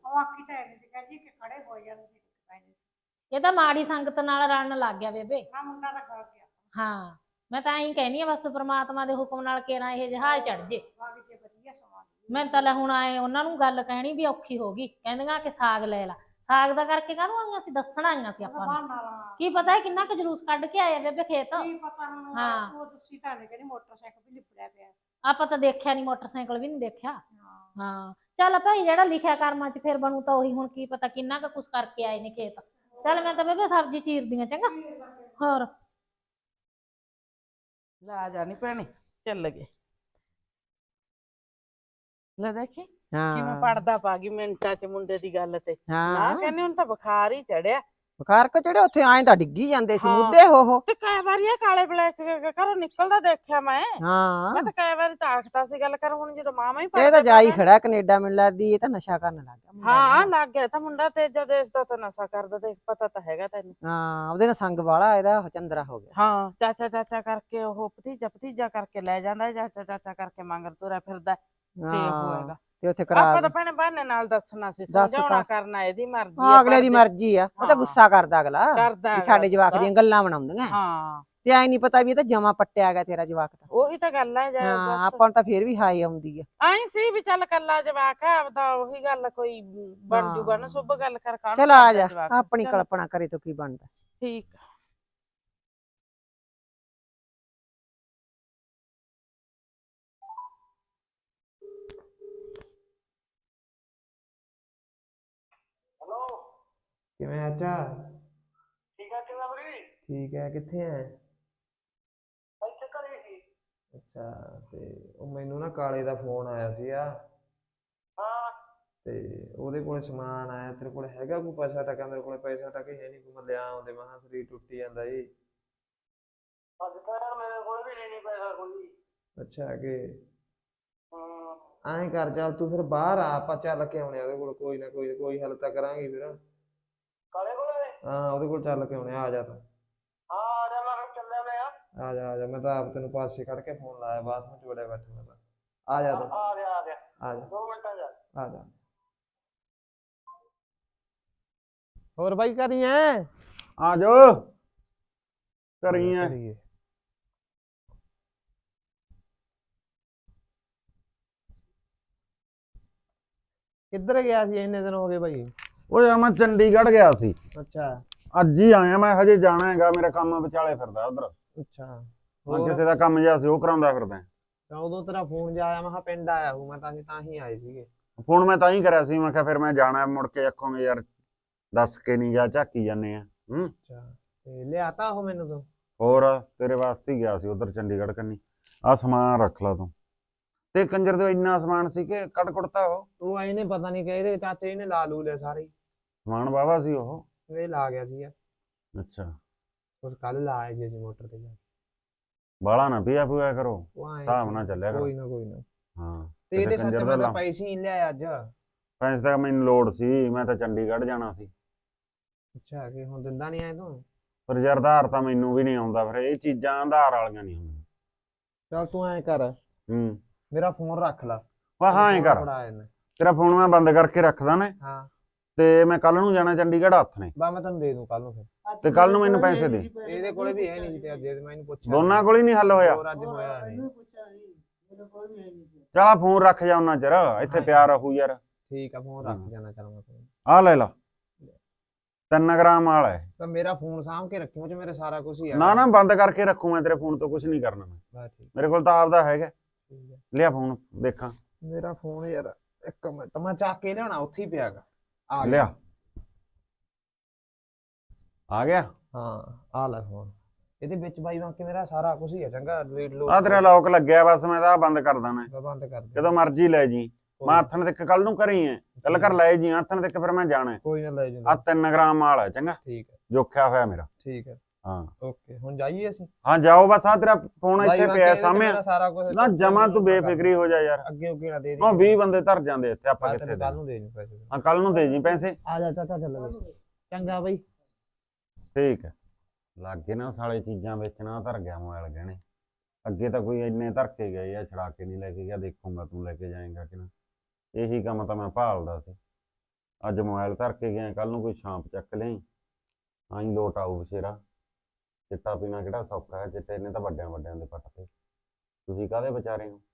[SPEAKER 4] ਇਹ ਤਾਂ ਮਾੜੀ ਸੰਗਤ ਨਾਲ ਰਲਣ ਲੱਗ ਗਿਆ ਬੇਬੇ। ਹਾਂ ਮੈਂ ਤਾਂ ਐਂ ਕਹਿਨੀ ਆ, ਬਸ ਪ੍ਰਮਾਤਮਾ ਦੇ ਹੁਕਮ ਨਾਲ ਕੇਰਾਂ ਇਹ ਜਹਾਜ਼ ਚੜ ਜੇ। ਮੈਂ ਤਾਂ ਲੈ ਹੁਣ ਆਏ ਉਹਨਾਂ ਨੂੰ ਗੱਲ ਕਹਿਣੀ ਵੀ ਔਖੀ ਹੋ ਗਈ, ਕਹਿੰਦੀਆਂ ਕਿ ਸਾਗ ਲੈ ਲਾ। ਸਾਗ ਦਾ ਕਰਕੇ ਕਾਹਨੂੰ ਆਈਆਂ ਸੀ, ਦੱਸਣ ਆਈਆਂ ਸੀ ਆਪਾਂ ਨੂੰ। ਕੀ ਪਤਾ ਹੈ ਕਿੰਨਾ ਕੁ ਜਲੂਸ ਕੱਢ ਕੇ ਆਏ ਬੇਬੇ ਖੇਤ। ਹਾਂ ਆਪਾਂ ਤਾਂ ਦੇਖਿਆ ਨੀ, ਮੋਟਰਸਾਈਕਲ ਵੀ ਨੀ ਦੇਖਿਆ। ਹਾਂ ਚੱਲ ਭਾਈ ਜਿਹੜਾ ਲਿਖਿਆ ਕਰਮਾਂ 'ਚ ਫਿਰ ਬਣੂ ਤਾਂ ਉਹੀ। ਹੁਣ ਕੀ ਪਤਾ ਕਿੰਨਾ ਕੁ ਕੁਛ ਕਰਕੇ ਆਏ ਨੇ ਖੇਤ। ਚੱਲ ਮੈਂ ਤਾਂ ਬੇਬੇ ਸਬਜ਼ੀ ਚੀਰਦੀ ਆ, ਚੰਗਾ। ਹੋਰ
[SPEAKER 5] ਲਾ ਜਾ ਨੀ ਭੈਣੇ, ਚੱਲ ਗਏ। ਲੈ ਦੇਖੀ ਕਿਵੇਂ
[SPEAKER 2] ਹਾਂ
[SPEAKER 5] ਪੜਦਾ ਪਾ ਗਈ ਮਿੰਟਾਂ 'ਚ ਮੁੰਡੇ ਦੀ ਗੱਲ ਤੇ। ਨਾ
[SPEAKER 2] ਹਾਂ
[SPEAKER 5] ਕਹਿੰਦੇ ਹੁਣ ਤਾਂ ਬੁਖਾਰ ਹੀ ਚੜਿਆ।
[SPEAKER 2] ਬੁਖਾਰ ਕੋ ਚੜੇ, ਉੱਥੇ ਆਏ ਤਾਂ ਡਿੱਗੀ ਜਾਂਦੇ ਸੀ
[SPEAKER 5] ਹਾਂ।
[SPEAKER 2] ਮੁੱਦੇ ਹੋ ਹੋ।
[SPEAKER 5] ਤੇ ਕਈ ਵਾਰੀ ਇਹ ਕਾਲੇ ਬਲੈਕ ਘਰੋਂ ਨਿਕਲਦਾ ਦੇਖਿਆ ਮੈਂ।
[SPEAKER 2] ਹਾਂ
[SPEAKER 5] ਮੈਂ ਤਾਂ ਕਈ ਵਾਰੀ ਤਾਂ ਆਖਦਾ ਸੀ ਗੱਲ ਕਰ, ਹੁਣ ਜਦੋਂ ਮਾਮਾ ਹੀ
[SPEAKER 2] ਇਹ ਤਾਂ
[SPEAKER 5] ਪੜਦਾ
[SPEAKER 2] ਜਾਈ ਖੜਾ ਕੈਨੇਡਾ, ਮੈਨੂੰ ਲੱਗਦੀ ਇਹ ਤਾਂ ਨਸ਼ਾ ਕਰਨ ਲੱਗ ਗਿਆ ਮੁੰਡਾ।
[SPEAKER 5] ਹਾਂ ਲੱਗ ਗਿਆ ਤਾਂ ਮੁੰਡਾ, ਤੇਜਾ ਦੇਸ਼ ਦਾ ਤਾਂ ਨਸ਼ਾ ਕਰਦਾ, ਤੇ ਪਤਾ ਤਾਂ ਹੈਗਾ ਤੈਨੂੰ।
[SPEAKER 2] ਹਾਂ ਉਹਦੇ ਨਾਲ ਸੰਗ ਵਾਲਾ ਇਹਦਾ ਚੰਦਰਾ ਹੋ ਗਿਆ।
[SPEAKER 5] ਹਾਂ ਚਾਚਾ ਚਾਚਾ ਕਰਕੇ ਉਹ ਭਤੀਜਾ ਭਤੀਜਾ ਕਰਕੇ ਲੈ ਜਾਂਦਾ, ਚਾਚਾ ਚਾਚਾ ਕਰਕੇ ਮੰਗਰ ਤੁਰਿਆ ਫਿਰਦਾ। ਤੇ ਉਹ ਹੈਗਾ
[SPEAKER 2] ਤੇ ਉੱਥੇ ਕਰਾ
[SPEAKER 5] ਆਪਾਂ ਤਾਂ ਭੈਣੇ ਬਹਾਨੇ ਨਾਲ ਦੱਸਣਾ ਸੀ, ਸਮਝਾਉਣਾ ਕਰਨਾ ਇਹਦੀ ਮਰਜ਼ੀ
[SPEAKER 2] ਹਾਂ
[SPEAKER 5] ਆ।
[SPEAKER 2] ਅਗਲੇ ਦੀ ਮਰਜ਼ੀ ਆ, ਉਹ ਤਾਂ ਗੁੱਸਾ ਕਰਦਾ ਅਗਲਾ
[SPEAKER 5] ਕਰਦਾ
[SPEAKER 2] ਵੀ ਸਾਡੇ ਜਵਾਕ ਦੀਆਂ ਗੱਲਾਂ ਬਣਾਉਂਦੀਆਂ।
[SPEAKER 5] ਹਾਂ
[SPEAKER 2] ਤੇ ਐ ਨੀ ਪਤਾ ਵੀ ਇਹ ਤਾਂ ਜਮਾ ਪੱਟਿਆ ਗਿਆ ਤੇਰਾ ਜਵਾਕ ਤਾਂ।
[SPEAKER 5] ਉਹੀ ਤਾਂ ਗੱਲ ਹੈ।
[SPEAKER 2] ਹਾਂ ਆਪਾਂ ਨੂੰ ਤਾਂ ਫੇਰ ਵੀ ਹਾਈ ਆਉਂਦੀ ਆ।
[SPEAKER 5] ਆਈ ਸੀ ਵੀ ਚੱਲ ਕੱਲਾ ਜਵਾਕ ਹੈ ਆਪਦਾ, ਉਹੀ ਗੱਲ ਕੋਈ ਬਣ ਜੂਗਾ ਨਾ ਸ਼ੁਭ ਗੱਲ ਕਰ।
[SPEAKER 2] ਚਲ ਆ ਜਾ, ਆਪਣੀ ਕਲਪਨਾ ਕਰੇ ਤੋਂ ਕੀ ਬਣਦਾ।
[SPEAKER 5] ਠੀਕ
[SPEAKER 3] ਕਿਵੇਂ ਆਚਾ?
[SPEAKER 1] ਠੀਕ ਆ ਕਿਵੇਂ ਬਰੀ?
[SPEAKER 3] ਠੀਕ ਹੈ, ਕਿੱਥੇ ਐ?
[SPEAKER 1] ਇੱਥੇ ਘਰੇ ਸੀ।
[SPEAKER 3] ਅੱਛਾ, ਤੇ ਉਹ ਮੈਨੂੰ ਨਾ ਕਾਲੇ ਦਾ ਫੋਨ ਆਇਆ ਸੀਗਾ।
[SPEAKER 1] ਹਾਂ
[SPEAKER 3] ਤੇ ਉਹਦੇ ਕੋਲ ਸਮਾਨ ਆਇਆ, ਤੇਰੇ ਕੋਲ ਹੈਗਾ ਕੋਈ ਪੈਸਾ ਟਕਾ? ਮੇਰੇ ਕੋਲ ਪੈਸਾ ਟਕਾ ਹੈ ਨਹੀਂ, ਕੋਈ ਮੈਂ ਲਿਆ ਆਉਂਦੇ, ਮੈਂ ਕਿਹਾ ਸਰੀਰ ਟੁੱਟੀ ਜਾਂਦਾ ਜੀ।
[SPEAKER 1] ਅੱਜ ਤਾਂ ਯਾਰ ਮੇਰੇ ਕੋਲ ਵੀ ਨਹੀਂ ਪੈਸਾ ਕੋਈ।
[SPEAKER 3] ਅੱਛਾ ਕਿ
[SPEAKER 1] ਹਾਂ
[SPEAKER 3] ਐਂ ਕਰ, ਚੱਲ ਤੂੰ ਫਿਰ ਬਾਹਰ ਆ, ਆਪਾਂ ਚੱਲ ਕੇ ਆਉਣੇ ਉਹਦੇ ਕੋਲ, ਕੋਈ ਨਾ ਕੋਈ ਕੋਈ ਹੱਲ ਤਾਂ ਕਰਾਂਗੇ ਫਿਰ।
[SPEAKER 1] ਕਾਲੇ ਕੋਲੇ?
[SPEAKER 3] ਹਾਂ ਉਹਦੇ ਕੋਲ ਚੱਲ ਕੇ ਆਉਣੇ, ਆ ਜਾ ਤੂੰ।
[SPEAKER 1] ਹਾਂ ਆ ਜਾ, ਮੈਂ ਚੱਲਿਆ ਮੈਂ।
[SPEAKER 3] ਆ ਜਾ ਆ ਜਾ, ਮੈਂ ਤਾਂ ਆਪ ਤੈਨੂੰ ਪਾਸੇ ਕੱਢ ਕੇ ਫੋਨ ਲਾਇਆ, ਬਾਥਰੂਮ 'ਚ ਵੜਿਆ ਬੈਠਾ ਮੈਂ ਤਾਂ। ਆ ਜਾ ਤੂੰ,
[SPEAKER 1] ਆ ਗਿਆ ਆ ਗਿਆ,
[SPEAKER 3] ਆ ਜਾ
[SPEAKER 1] ਦੋ ਮਿੰਟਾਂ ਜਾ।
[SPEAKER 3] ਆ ਜਾ। ਹੋਰ ਬਾਈ ਕਰੀ ਐ?
[SPEAKER 6] ਆ ਜਾਓ ਕਰੀ ਐ।
[SPEAKER 3] ਕਿੱਧਰ ਗਿਆ ਸੀ ਇੰਨੇ ਦਿਨ ਹੋ ਗਏ ਬਾਈ?
[SPEAKER 6] ਉਹ ਯਾਰ ਮੈਂ ਚੰਡੀਗੜ੍ਹ ਗਿਆ ਸੀ,
[SPEAKER 3] ਅੱਛਾ
[SPEAKER 6] ਅੱਜ ਹੀ ਆਇਆ ਮੈਂ, ਹਜੇ ਜਾਣਾ ਹੈਗਾ, ਮੇਰਾ ਕੰਮ ਵਿਚਾਲੇ ਫਿਰਦਾ ਉਧਰ।
[SPEAKER 3] ਅੱਛਾ
[SPEAKER 6] ਮੈਂ ਕਿਸੇ ਦਾ ਕੰਮ ਜਿਹਾ ਸੀ ਉਹ ਕਰਾਉਂਦਾ ਫਿਰਦਾ।
[SPEAKER 3] ਤਾਂ ਉਦੋਂ ਤੇਰਾ ਫੋਨ ਜਾ ਆਇਆ, ਮੈਂ ਕਿਹਾ ਪਿੰਡ ਆਇਆ ਹੂੰ ਮੈਂ, ਤਾਂ ਅਸੀਂ ਤਾਂ ਹੀ ਆਏ ਸੀਗੇ।
[SPEAKER 6] ਫੋਨ ਮੈਂ ਤਾਂ ਹੀ ਕਰਿਆ ਸੀ, ਮੈਂ ਕਿਹਾ ਫਿਰ ਮੈਂ ਜਾਣਾ, ਮੁੜ ਕੇ ਆਖੋਗੇ ਯਾਰ ਦੱਸ ਕੇ ਨਹੀਂ ਗਿਆ, ਝਾਕੀ ਜਾਂਦੇ ਆ। ਹੂੰ
[SPEAKER 3] ਅੱਛਾ ਤੇ ਲਿਆਤਾ ਉਹ ਮੈਨੂੰ ਤੂੰ
[SPEAKER 6] ਹੋਰ ਤੇਰੇ ਵਾਸਤੇ ਹੀ ਗਿਆ ਸੀ ਉਧਰ ਚੰਡੀਗੜ੍ਹ ਕੰਨੀ। ਆ ਸਮਾਨ ਰੱਖ ਲਾ ਤੂੰ। ਤੇ ਕੰਜਰ ਦੇ ਇੰਨਾ ਸਮਾਨ ਸੀ ਕਿ ਕੱਢ ਕੁੜਤਾ ਉਹ
[SPEAKER 3] ਤੂੰ ਆਈ ਨੇ ਪਤਾ ਨਹੀਂ ਕਿ ਇਹਦੇ ਚਾਚੇ ਨੇ ਲਾ ਲੂ ਲਿਆ ਸਾਰੇ ਹੀ।
[SPEAKER 6] ਸਮਾਨ ਵਾਵਾ ਸੀ ਉਹ।
[SPEAKER 3] ਇਹ ਲਾ ਗਿਆ ਸੀ
[SPEAKER 6] ਅੱਛਾ
[SPEAKER 3] ਉਸ ਕੱਲ ਲਾ ਆਏ ਜੀ ਮੋਟਰ ਤੇ ਜਾ ਕੇ।
[SPEAKER 6] ਬਾਲਾ ਨਾ ਪੀਆ ਪੂਆ ਕਰੋ,
[SPEAKER 3] ਉਹ ਐਂ
[SPEAKER 6] ਹਿਸਾਬ ਨਾਲ ਚੱਲਿਆ ਕਰੋ।
[SPEAKER 3] ਕੋਈ ਨਾ ਕੋਈ ਨਾ।
[SPEAKER 6] ਹਾਂ
[SPEAKER 3] ਤੇ
[SPEAKER 6] ਕਿਤੇ
[SPEAKER 3] ਇਹਦੇ
[SPEAKER 6] ਕੰਜਰ
[SPEAKER 3] ਸੱਚ
[SPEAKER 6] ਦਾ
[SPEAKER 3] ਮੈਂ ਤਾਂ
[SPEAKER 6] ਲਾ-
[SPEAKER 3] ਪੈਸੇ ਹੀ ਨੀ ਲਿਆਇਆ ਅੱਜ।
[SPEAKER 6] ਪੈਸੇ ਤਾਂ ਮੈਨੂੰ ਲੋੜ ਸੀ, ਮੈਂ ਤਾਂ ਚੰਡੀਗੜ੍ਹ ਜਾਣਾ ਸੀ।
[SPEAKER 3] ਅੱਛਾ ਕਿ ਹੁਣ ਦਿੰਦਾ ਨਹੀਂ ਆਏ ਤੂੰ।
[SPEAKER 6] ਪਰ ਯਾਰ ਆਧਾਰ ਤਾਂ ਮੈਨੂੰ ਵੀ ਨਹੀਂ ਆਉਂਦਾ, ਫਿਰ ਇਹ ਚੀਜ਼ਾਂ ਆਧਾਰ ਵਾਲੀਆਂ ਨਹੀਂ ਹੁੰਦੀਆਂ।
[SPEAKER 3] ਚੱਲ ਤੂੰ ਐਂ ਕਰ
[SPEAKER 6] ਹੂੰ
[SPEAKER 3] ਮੇਰਾ ਫੋਨ ਰੱਖ ਲਾ।
[SPEAKER 6] ਵਾ ਹਾਂ ਐਂ ਕਰ,
[SPEAKER 3] ਫੜਾ ਇਹਨੇ।
[SPEAKER 6] ਤੇਰਾ ਫੋਨ ਮੈਂ ਬੰਦ ਕਰਕੇ ਰੱਖਦਾ ਨੇ
[SPEAKER 3] ਹਾਂ
[SPEAKER 6] ਤੇ ਮੈਂ ਕੱਲ ਨੂੰ ਜਾਣਾ ਚੰਡੀਗੜ੍ਹ ਹੱਥ ਨੇ।
[SPEAKER 3] ਬਾ ਮੈਂ ਤੈਨੂੰ ਦੇ ਦੂੰ ਕੱਲ ਨੂੰ ਫਿਰ।
[SPEAKER 6] ਤੇ ਕੱਲ ਨੂੰ ਮੈਨੂੰ ਪੈਸੇ ਦੇ।
[SPEAKER 3] ਇਹਦੇ ਕੋਲੇ ਵੀ ਹੈ ਨਹੀਂ ਤੇ ਅੱਜ ਮੈਂ ਇਹਨੂੰ ਪੁੱਛਿਆ
[SPEAKER 6] ਦੋਨਾਂ ਕੋਲ ਹੀ ਨਹੀਂ ਹੱਲ ਹੋਇਆ।
[SPEAKER 3] ਹੋਰ ਅੱਜ ਹੋਇਆ ਨਹੀਂ।
[SPEAKER 1] ਮੈਨੂੰ ਪੁੱਛਿਆ ਸੀ ਮੇਰੇ ਕੋਲ ਵੀ ਹੈ ਨਹੀਂ ਸੀ।
[SPEAKER 6] ਚੱਲ ਆ ਫੋਨ ਰੱਖ ਜਾ ਉਹਨਾਂ ਚਿਰ, ਇੱਥੇ ਪਿਆ ਰਹੂ ਯਾਰ।
[SPEAKER 3] ਠੀਕ ਆ ਫੋਨ ਰੱਖ ਜਾਣਾ ਚੱਲ ਮੈਂ phone।
[SPEAKER 6] ਆ ਲੈ ਲਾ, ਤਿੰਨ ਗ੍ਰਾਮ ਵਾਲਾ ਹੈ।
[SPEAKER 3] ਤਾਂ ਮੇਰਾ ਫੋਨ ਸਾਂਭ ਕੇ ਰੱਖੀ ਉਹ ਚ ਮੇਰੇ ਸਾਰਾ ਕੁਝ ਹੀ ਆ।
[SPEAKER 6] ਨਾ ਨਾ ਬੰਦ ਕਰਕੇ ਰੱਖੂ ਮੈਂ, ਤੇਰੇ ਫੋਨ ਤੋਂ ਕੁਝ ਨਹੀਂ ਕਰਨਾ ਮੈਂ।
[SPEAKER 3] ਬਸ ਠੀਕ
[SPEAKER 6] ਮੇਰੇ ਕੋਲ ਤਾਂ ਆਪਦਾ ਹੈਗਾ।
[SPEAKER 3] ਠੀਕ ਹੈ।
[SPEAKER 6] ਲਿਆ ਫੋਨ ਦੇਖਾਂ।
[SPEAKER 3] ਮੇਰਾ ਫੋਨ ਯਾਰ ਇੱਕ ਮਿੰਟ ਮੈਂ ਚੱਕ ਕੇ ਲਿਆਉਣਾ, ਉੱਥੇ ਹੀ ਪਿਆਗਾ। ਆ ਗਿਆ।
[SPEAKER 6] ਲਿਆ ਆ ਗਿਆ।
[SPEAKER 3] ਹਾਂ ਆ ਲੈ ਫੋਨ। ਇਹਦੇ ਵਿੱਚ ਬਾਈ ਵਾਂਕੇ ਮੇਰਾ ਸਾਰਾ ਕੁਝ ਹੀ ਹੈ ਚੰਗਾ। ਰੀਡ ਲੋ
[SPEAKER 6] ਆ ਤੇਰਾ ਲੌਕ ਲੱਗਿਆ, ਬਸ ਮੈਂ ਤਾਂ ਆਹ ਬੰਦ ਕਰ ਦੇਣਾ।
[SPEAKER 3] ਬੰਦ ਕਰ ਦੇ।
[SPEAKER 6] ਜਦੋਂ ਮਰਜ਼ੀ ਲੈ ਜੀ। ਮੈਂ ਹੱਥਣ ਤੱਕ ਕੱਲ ਨੂੰ ਘਰੇ ਹੀ ਐ, ਕੱਲ ਘਰ ਲੈ ਜੀ ਹੱਥਣ ਤੱਕ, ਫਿਰ ਮੈਂ ਜਾਣਾ।
[SPEAKER 3] ਕੋਈ ਨਾ ਲੈ
[SPEAKER 6] ਆ
[SPEAKER 3] ਜੂਗਾ।
[SPEAKER 6] ਤਿੰਨ ਗ੍ਰਾਮ ਮਾਲ ਹੈ ਚੰਗਾ,
[SPEAKER 3] ਠੀਕ ਹੈ
[SPEAKER 6] ਜੋਖਿਆ ਹੋਇਆ ਮੇਰਾ।
[SPEAKER 3] ਠੀਕ ਹੈ
[SPEAKER 6] ਹਾਂ
[SPEAKER 3] ਓਕੇ ਹੁਣ ਜਾਈਏ ਅਸੀਂ।
[SPEAKER 6] ਹਾਂ ਜਾਓ ਬਸ, ਆ ਤੇਰਾ ਫੋਨ
[SPEAKER 3] ਬਾਈ
[SPEAKER 6] ਇੱਥੇ
[SPEAKER 3] ਵਾਂਕੇ
[SPEAKER 6] ਪਿਆ
[SPEAKER 3] ਇਹਦੇ ਚ
[SPEAKER 6] ਸਾਹਮਣੇ।
[SPEAKER 3] ਮੇਰਾ ਸਾਰਾ ਕੁਝ
[SPEAKER 6] ਨਾ ਜਮਾ ਤੂੰ ਬੇਫਿਕਰੀ ਹੋ ਜਾ ਯਾਰ।
[SPEAKER 3] ਅੱਗੇ ਅੱਗੇ ਨਾ ਦੇ ਦੇ।
[SPEAKER 6] ਉਹ ਵੀਹ ਬੰਦੇ ਧਰ ਜਾਂਦੇ ਇੱਥੇ, ਆਪਾਂ ਕਿੱਥੇ
[SPEAKER 3] ਕੱਲ
[SPEAKER 6] ਦੇ।
[SPEAKER 3] ਨੂੰ ਦੇ ਜੂ ਪੈਸੇ।
[SPEAKER 6] ਹਾਂ ਕੱਲ ਨੂੰ ਦੇ ਜੀ ਪੈਸੇ।
[SPEAKER 3] ਆ ਜਾ ਚਾਚਾ ਚੱਲ ਚੰਗਾ ਬਾਈ।
[SPEAKER 6] ਠੀਕ ਹੈ। ਲਾਗੇ ਨਾ ਸਾਲੇ ਚੀਜ਼ਾਂ ਵੇਚਣਾ, ਧਰ ਗਿਆ ਮੋਬਾਈਲ ਗਹਿਣੇ। ਅੱਗੇ ਤਾਂ ਕੋਈ ਇੰਨੇ ਧਰ ਕੇ ਗਏ ਆ, ਛੜਾ ਕੇ ਨਹੀਂ ਲੈ ਕੇ ਗਿਆ। ਦੇਖੂੰਗਾ ਤੂੰ ਲੈ ਕੇ ਜਾਏਂਗਾ ਕਿ ਨਾ। ਇਹੀ ਕੰਮ ਤਾਂ ਮੈਂ ਭਾਲਦਾ ਸੀ। ਅੱਜ ਮੋਬਾਈਲ ਧਰ ਕੇ ਗਿਆ, ਕੱਲ ਨੂੰ ਕੋਈ ਛਾਂਪ ਚੱਕ ਲਈ। ਆਈ ਲੋਟ ਆਊ ਬਸ਼ੇਰਾ। ਚਿੱਟਾ ਪੀਣਾ ਕਿਹੜਾ ਸੌਖਾ ਹੈ, ਚਿੱਟੇ ਨੇ ਤਾਂ ਵੱਡਿਆਂ ਵੱਡਿਆਂ ਦੇ ਪੱਟ ਤੇ। ਤੁਸੀਂ ਕਾਹਦੇ ਵਿਚਾਰੇ ਹੋ।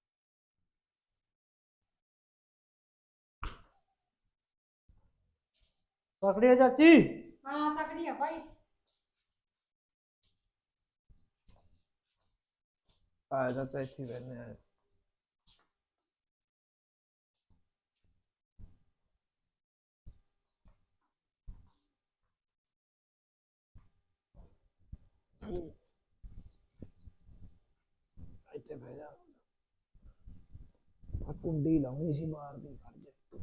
[SPEAKER 1] ਤਕੜੀ ਆ ਚਾਚੀ।
[SPEAKER 2] ਹਾਂ ਤਕੜੀ ਆ ਭਾਈ।
[SPEAKER 3] ਆ ਜਾ ਤਾਂ ਇੱਥੇ ਬੈਠਨੇ ਆ। ਇੱਥੇ ਬਹਿ ਜਾ। ਆ ਕੁੰਡੀ ਲਾਉਣੀ ਸੀ ਬਾਹਰ ਦੀ, ਖੜ ਜਾ।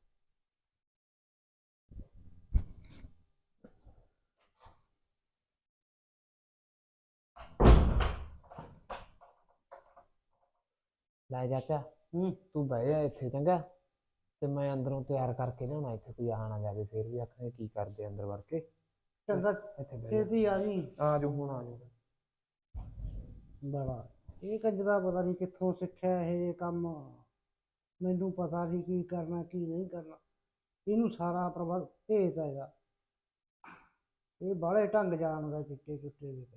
[SPEAKER 3] ਲੈ ਚਾਚਾ
[SPEAKER 1] ਹੂੰ
[SPEAKER 3] ਤੂੰ ਬਹਿ ਜਾ ਇੱਥੇ ਚੰਗਾ। ਤੇ ਮੈਂ ਅੰਦਰੋਂ ਤਿਆਰ ਕਰਕੇ ਲਿਆਉਣਾ, ਇੱਥੇ ਕੋਈ ਆ ਨਾ ਜਾਵੇ ਫੇਰ ਵੀ ਆਖਣੇ ਕੀ ਕਰਦੇ ਅੰਦਰ ਵੜ ਕੇ।
[SPEAKER 1] ਚੰਗਾ
[SPEAKER 3] ਇੱਥੇ ਬਹਿ ਜਾ।
[SPEAKER 1] ਛੇਤੀ ਆ ਜੀ।
[SPEAKER 3] ਆ ਜਾਓ ਹੁਣ ਆ ਜਾਓ।
[SPEAKER 1] ਬੜਾ ਇਹ ਕੰਜਰਾ ਪਤਾ ਨਹੀਂ ਕਿੱਥੋਂ ਸਿੱਖਿਆ ਇਹ ਕੰਮ। ਮੈਨੂੰ ਪਤਾ ਨਹੀਂ ਕੀ ਕਰਨਾ ਕੀ ਨਹੀਂ ਕਰਨਾ। ਇਹਨੂੰ ਸਾਰਾ ਪ੍ਰਬੰਧ ਭੇਜਦਾ ਹੈਗਾ। ਇਹ ਬਾਹਲੇ ਢੰਗ ਜਾਣਦਾ ਚਿੱਟੇ ਚੁੱਟੇ ਦੇ।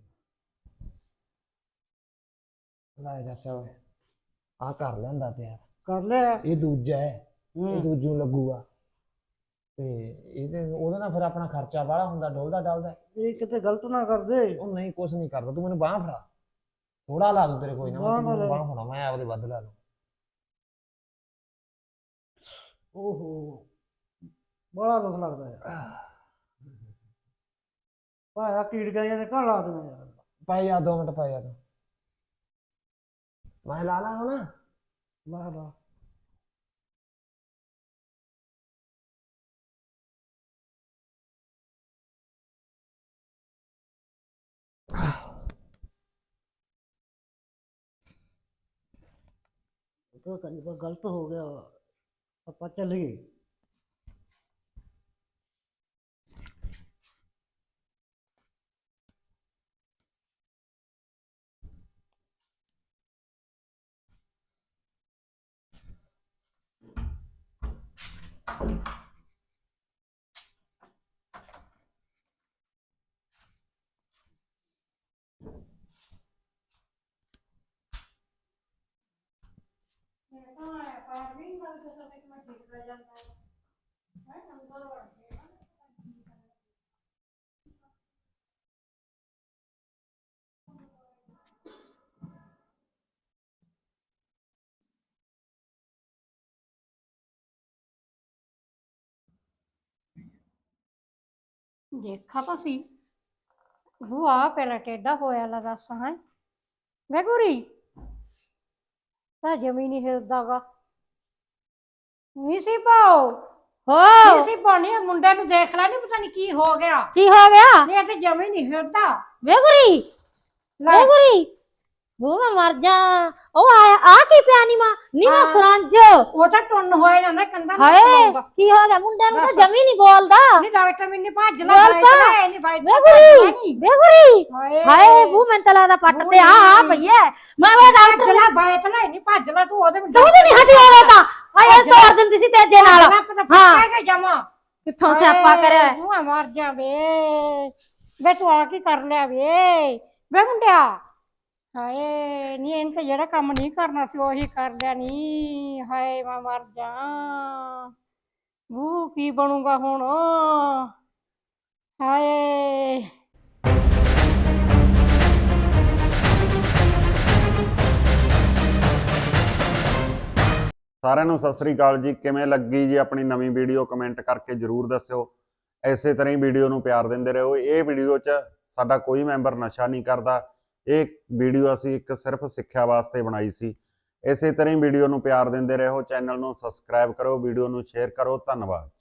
[SPEAKER 3] ਲੈ ਚਾਚਾ ਓਏ ਆ ਕਰ ਲੈਂਦਾ ਤਿਆਰ।
[SPEAKER 1] ਕਰ ਲਿਆ।
[SPEAKER 3] ਇਹ ਦੂਜਾ ਹੈ, ਇਹ
[SPEAKER 1] ਹੂੰ
[SPEAKER 3] ਦੂਜੇ ਨੂੰ ਲੱਗੂਗਾ। ਤੇ ਇਹਦੇ ਉਹਦੇ ਨਾਲ ਫਿਰ ਆਪਣਾ ਖਰਚਾ ਬਾਹਲਾ ਹੁੰਦਾ, ਡੋਲਦਾ ਡਲਦਾ।
[SPEAKER 1] ਇਹ ਕਿਤੇ ਗਲਤ ਨਾ ਕਰਦੇ।
[SPEAKER 3] ਉਹ ਨਹੀਂ ਕੁਛ ਨਹੀਂ ਕਰਦਾ, ਤੂੰ ਮੈਨੂੰ ਬਾਂਹ ਫੜਾ। ਥੋੜਾ ਲਾ ਦੂੰ ਤੇਰੇ ਕੋਈ ਨਾ,
[SPEAKER 1] ਬਾਂਹ
[SPEAKER 3] ਮੈਂ
[SPEAKER 1] ਨਾ
[SPEAKER 3] ਤੈਨੂੰ
[SPEAKER 1] ਲੈ।
[SPEAKER 3] ਬਾਂਹ ਫੜਾ, ਮੈਂ ਆਪਦੇ ਵੱਧ ਲਾ ਲੂੰ।
[SPEAKER 1] ਓਹੋ ਬੜਾ ਦੁੱਖ ਲੱਗਦਾ ਯਾਰ। ਭਾਇਆ ਕੀੜ ਗਈਆਂ ਨੇ ਘਰ ਲਾ ਦੇਣਾ ਯਾਰ।
[SPEAKER 3] ਪਾਈ ਜਾ ਦੋ ਮਿੰਟ ਪਾਈ ਜਾ ਤੂੰ। ਮੈਂ ਲਾ ਲਾ ਹੁਣ।
[SPEAKER 1] ਵਾਹ ਵਾਹ ਇਹ ਤਾਂ ਕੰਜਰਾ ਗਲਤ ਹੋ ਗਿਆ। ਆਪਾਂ ਚੱਲੀਏ।
[SPEAKER 2] ਮੇਰੇ ਤਾਂ ਆਇਆ ਪਾਰ ਵੀ ਨਹੀਂ ਲੱਗਦਾ ਤਾਂ ਇੱਕ ਮੈਂ ਠੀਕ ਰਹਿ ਜਾਂਦਾ ਹੈ। ਹੈ ਅੰਦਰ ਵੜ ਕੇ ਨਾ। ਦੇਖਾ ਤਾਂ ਸੀ ਉਹ ਆ ਪਹਿਲਾਂ ਟੇਢਾ ਹੋਇਆ ਲਾ ਦੱਸ ਹੈ ਵੇ ਗੁਰੀ ਤਾਂ ਜਮੀ ਨਹੀਂ ਹਿਲਦਾ ਗਾ ਨਹੀਂ ਸੀ ਪਾਓ
[SPEAKER 4] ਹੋ
[SPEAKER 2] ਨਹੀਂ ਸੀ ਪਾਉਣੀ ਮੁੰਡੇ ਨੂੰ ਦੇਖ ਲੈ ਨਹੀਂ ਪਤਾ ਨਹੀਂ ਕੀ ਹੋ ਗਿਆ
[SPEAKER 4] ਕੀ ਹੋ ਗਿਆ
[SPEAKER 2] ਨਹੀਂ ਇਹ ਤੇ ਜਮੀ ਨਹੀਂ ਹਿਲਦਾ
[SPEAKER 4] ਵੇ ਗੁਰੀ
[SPEAKER 2] ਲੈ
[SPEAKER 4] ਵੇ ਗੁਰੀ ਉਹ ਮੈਂ ਮਰ ਜਾ ਉਹ ਆਇਆ ਆ ਕੀ ਪਿਆ ਨੀ ਮਾਂ ਨੀ ਮਾਂ
[SPEAKER 2] ਹਾਂ।
[SPEAKER 4] ਸਰੰਜ
[SPEAKER 2] ਉਹ ਤਾਂ ਟੁੰਨ ਹੋਇਆ ਜਾਂਦਾ ਕੰਦਾ
[SPEAKER 4] ਹਾਏ ਕੀ ਹੋ ਗਿਆ ਮੁੰਡੇ ਨੂੰ ਤਾਂ ਜਮੀ ਨਹੀਂ ਬੋਲਦਾ
[SPEAKER 2] ਨਹੀਂ ਡਾਕਟਰ ਮੈਨੂੰ ਭੱਜ ਲਾ
[SPEAKER 4] ਬੋਲ
[SPEAKER 2] ਬਾਈ
[SPEAKER 4] ਪਾ।
[SPEAKER 2] ਲੈ ਨਹੀਂ ਬਾਈ
[SPEAKER 4] ਵੇ ਗੁਰੀ ਵੇ ਗੁਰੀ
[SPEAKER 2] ਹਾਏ
[SPEAKER 4] ਹਾਏ ਬੂ ਮੈਂ ਤਾਂ ਲੱਗਦਾ ਪੱਟ ਤੇ ਆ ਆ ਪਈਏ ਮੈਂ ਉਹ ਡਾਕਟਰ
[SPEAKER 2] ਭੱਜ ਲਾ ਬਾਈ ਤੇ ਲੈ ਨਹੀਂ ਭੱਜ ਲਾ ਤੂੰ ਉਹਦੇ ਵਿੱਚ
[SPEAKER 4] ਤੂੰ ਤੇ ਨਹੀਂ ਹਟੀ ਹੋਵੇ ਤਾਂ ਹਾਏ ਤੋੜ ਦਿੰਦੀ ਸੀ ਤੇਜੇ ਨਾਲ ਹਾਂ।
[SPEAKER 2] ਹਾਂ ਜਮਾ
[SPEAKER 4] ਕਿੱਥੋਂ ਸਿਆਪਾ ਕਰਿਆ
[SPEAKER 2] ਤੂੰ ਮਰ ਜਾ ਵੇ ਵੇ ਤੂੰ ਆ ਕੀ ਕਰ ਲਿਆ ਵੇ ਵੇ ਮੁੰਡਿਆ ਹਾਏ ਨੀ ਇਹਨ ਤੇ ਜਿਹੜਾ ਕੰਮ ਨਹੀਂ ਕਰਨਾ ਸੀ ਉਹੀ ਕਰ ਲਿਆ ਨੀ ਹਾਏ ਮੈਂ ਮਰ ਜਾ ਉਹ ਕੀ ਬਣੂਗਾ ਹੁਣ ਹਾਏ
[SPEAKER 6] ਸਾਰਿਆਂ ਨੂੰ ਸਤਿ ਸ੍ਰੀ ਅਕਾਲ ਜੀ। ਕਿਵੇਂ ਲੱਗੀ ਜੀ ਆਪਣੀ ਨਵੀਂ ਵੀਡੀਓ ਕਮੈਂਟ ਕਰਕੇ ਜਰੂਰ ਦੱਸਿਓ। ਐਸੇ ਤਰ੍ਹਾਂ ਹੀ ਵੀਡੀਓ ਨੂੰ ਪਿਆਰ ਦਿੰਦੇ ਰਹੋ। ਇਹ ਵੀਡੀਓ 'ਚ ਸਾਡਾ ਕੋਈ ਮੈਂਬਰ ਨਸ਼ਾ ਨਹੀਂ ਕਰਦਾ। ਇਹ ਵੀਡੀਓ ਅਸੀਂ ਇੱਕ ਸਿਰਫ ਸਿੱਖਿਆ ਵਾਸਤੇ ਬਣਾਈ ਸੀ। ਇਸੇ ਤਰ੍ਹਾਂ ਹੀ ਵੀਡੀਓ ਨੂੰ ਪਿਆਰ ਦਿੰਦੇ ਰਹੋ। ਚੈਨਲ ਨੂੰ ਸਬਸਕ੍ਰਾਈਬ ਕਰੋ, ਵੀਡੀਓ ਨੂੰ ਸ਼ੇਅਰ ਕਰੋ। ਧੰਨਵਾਦ।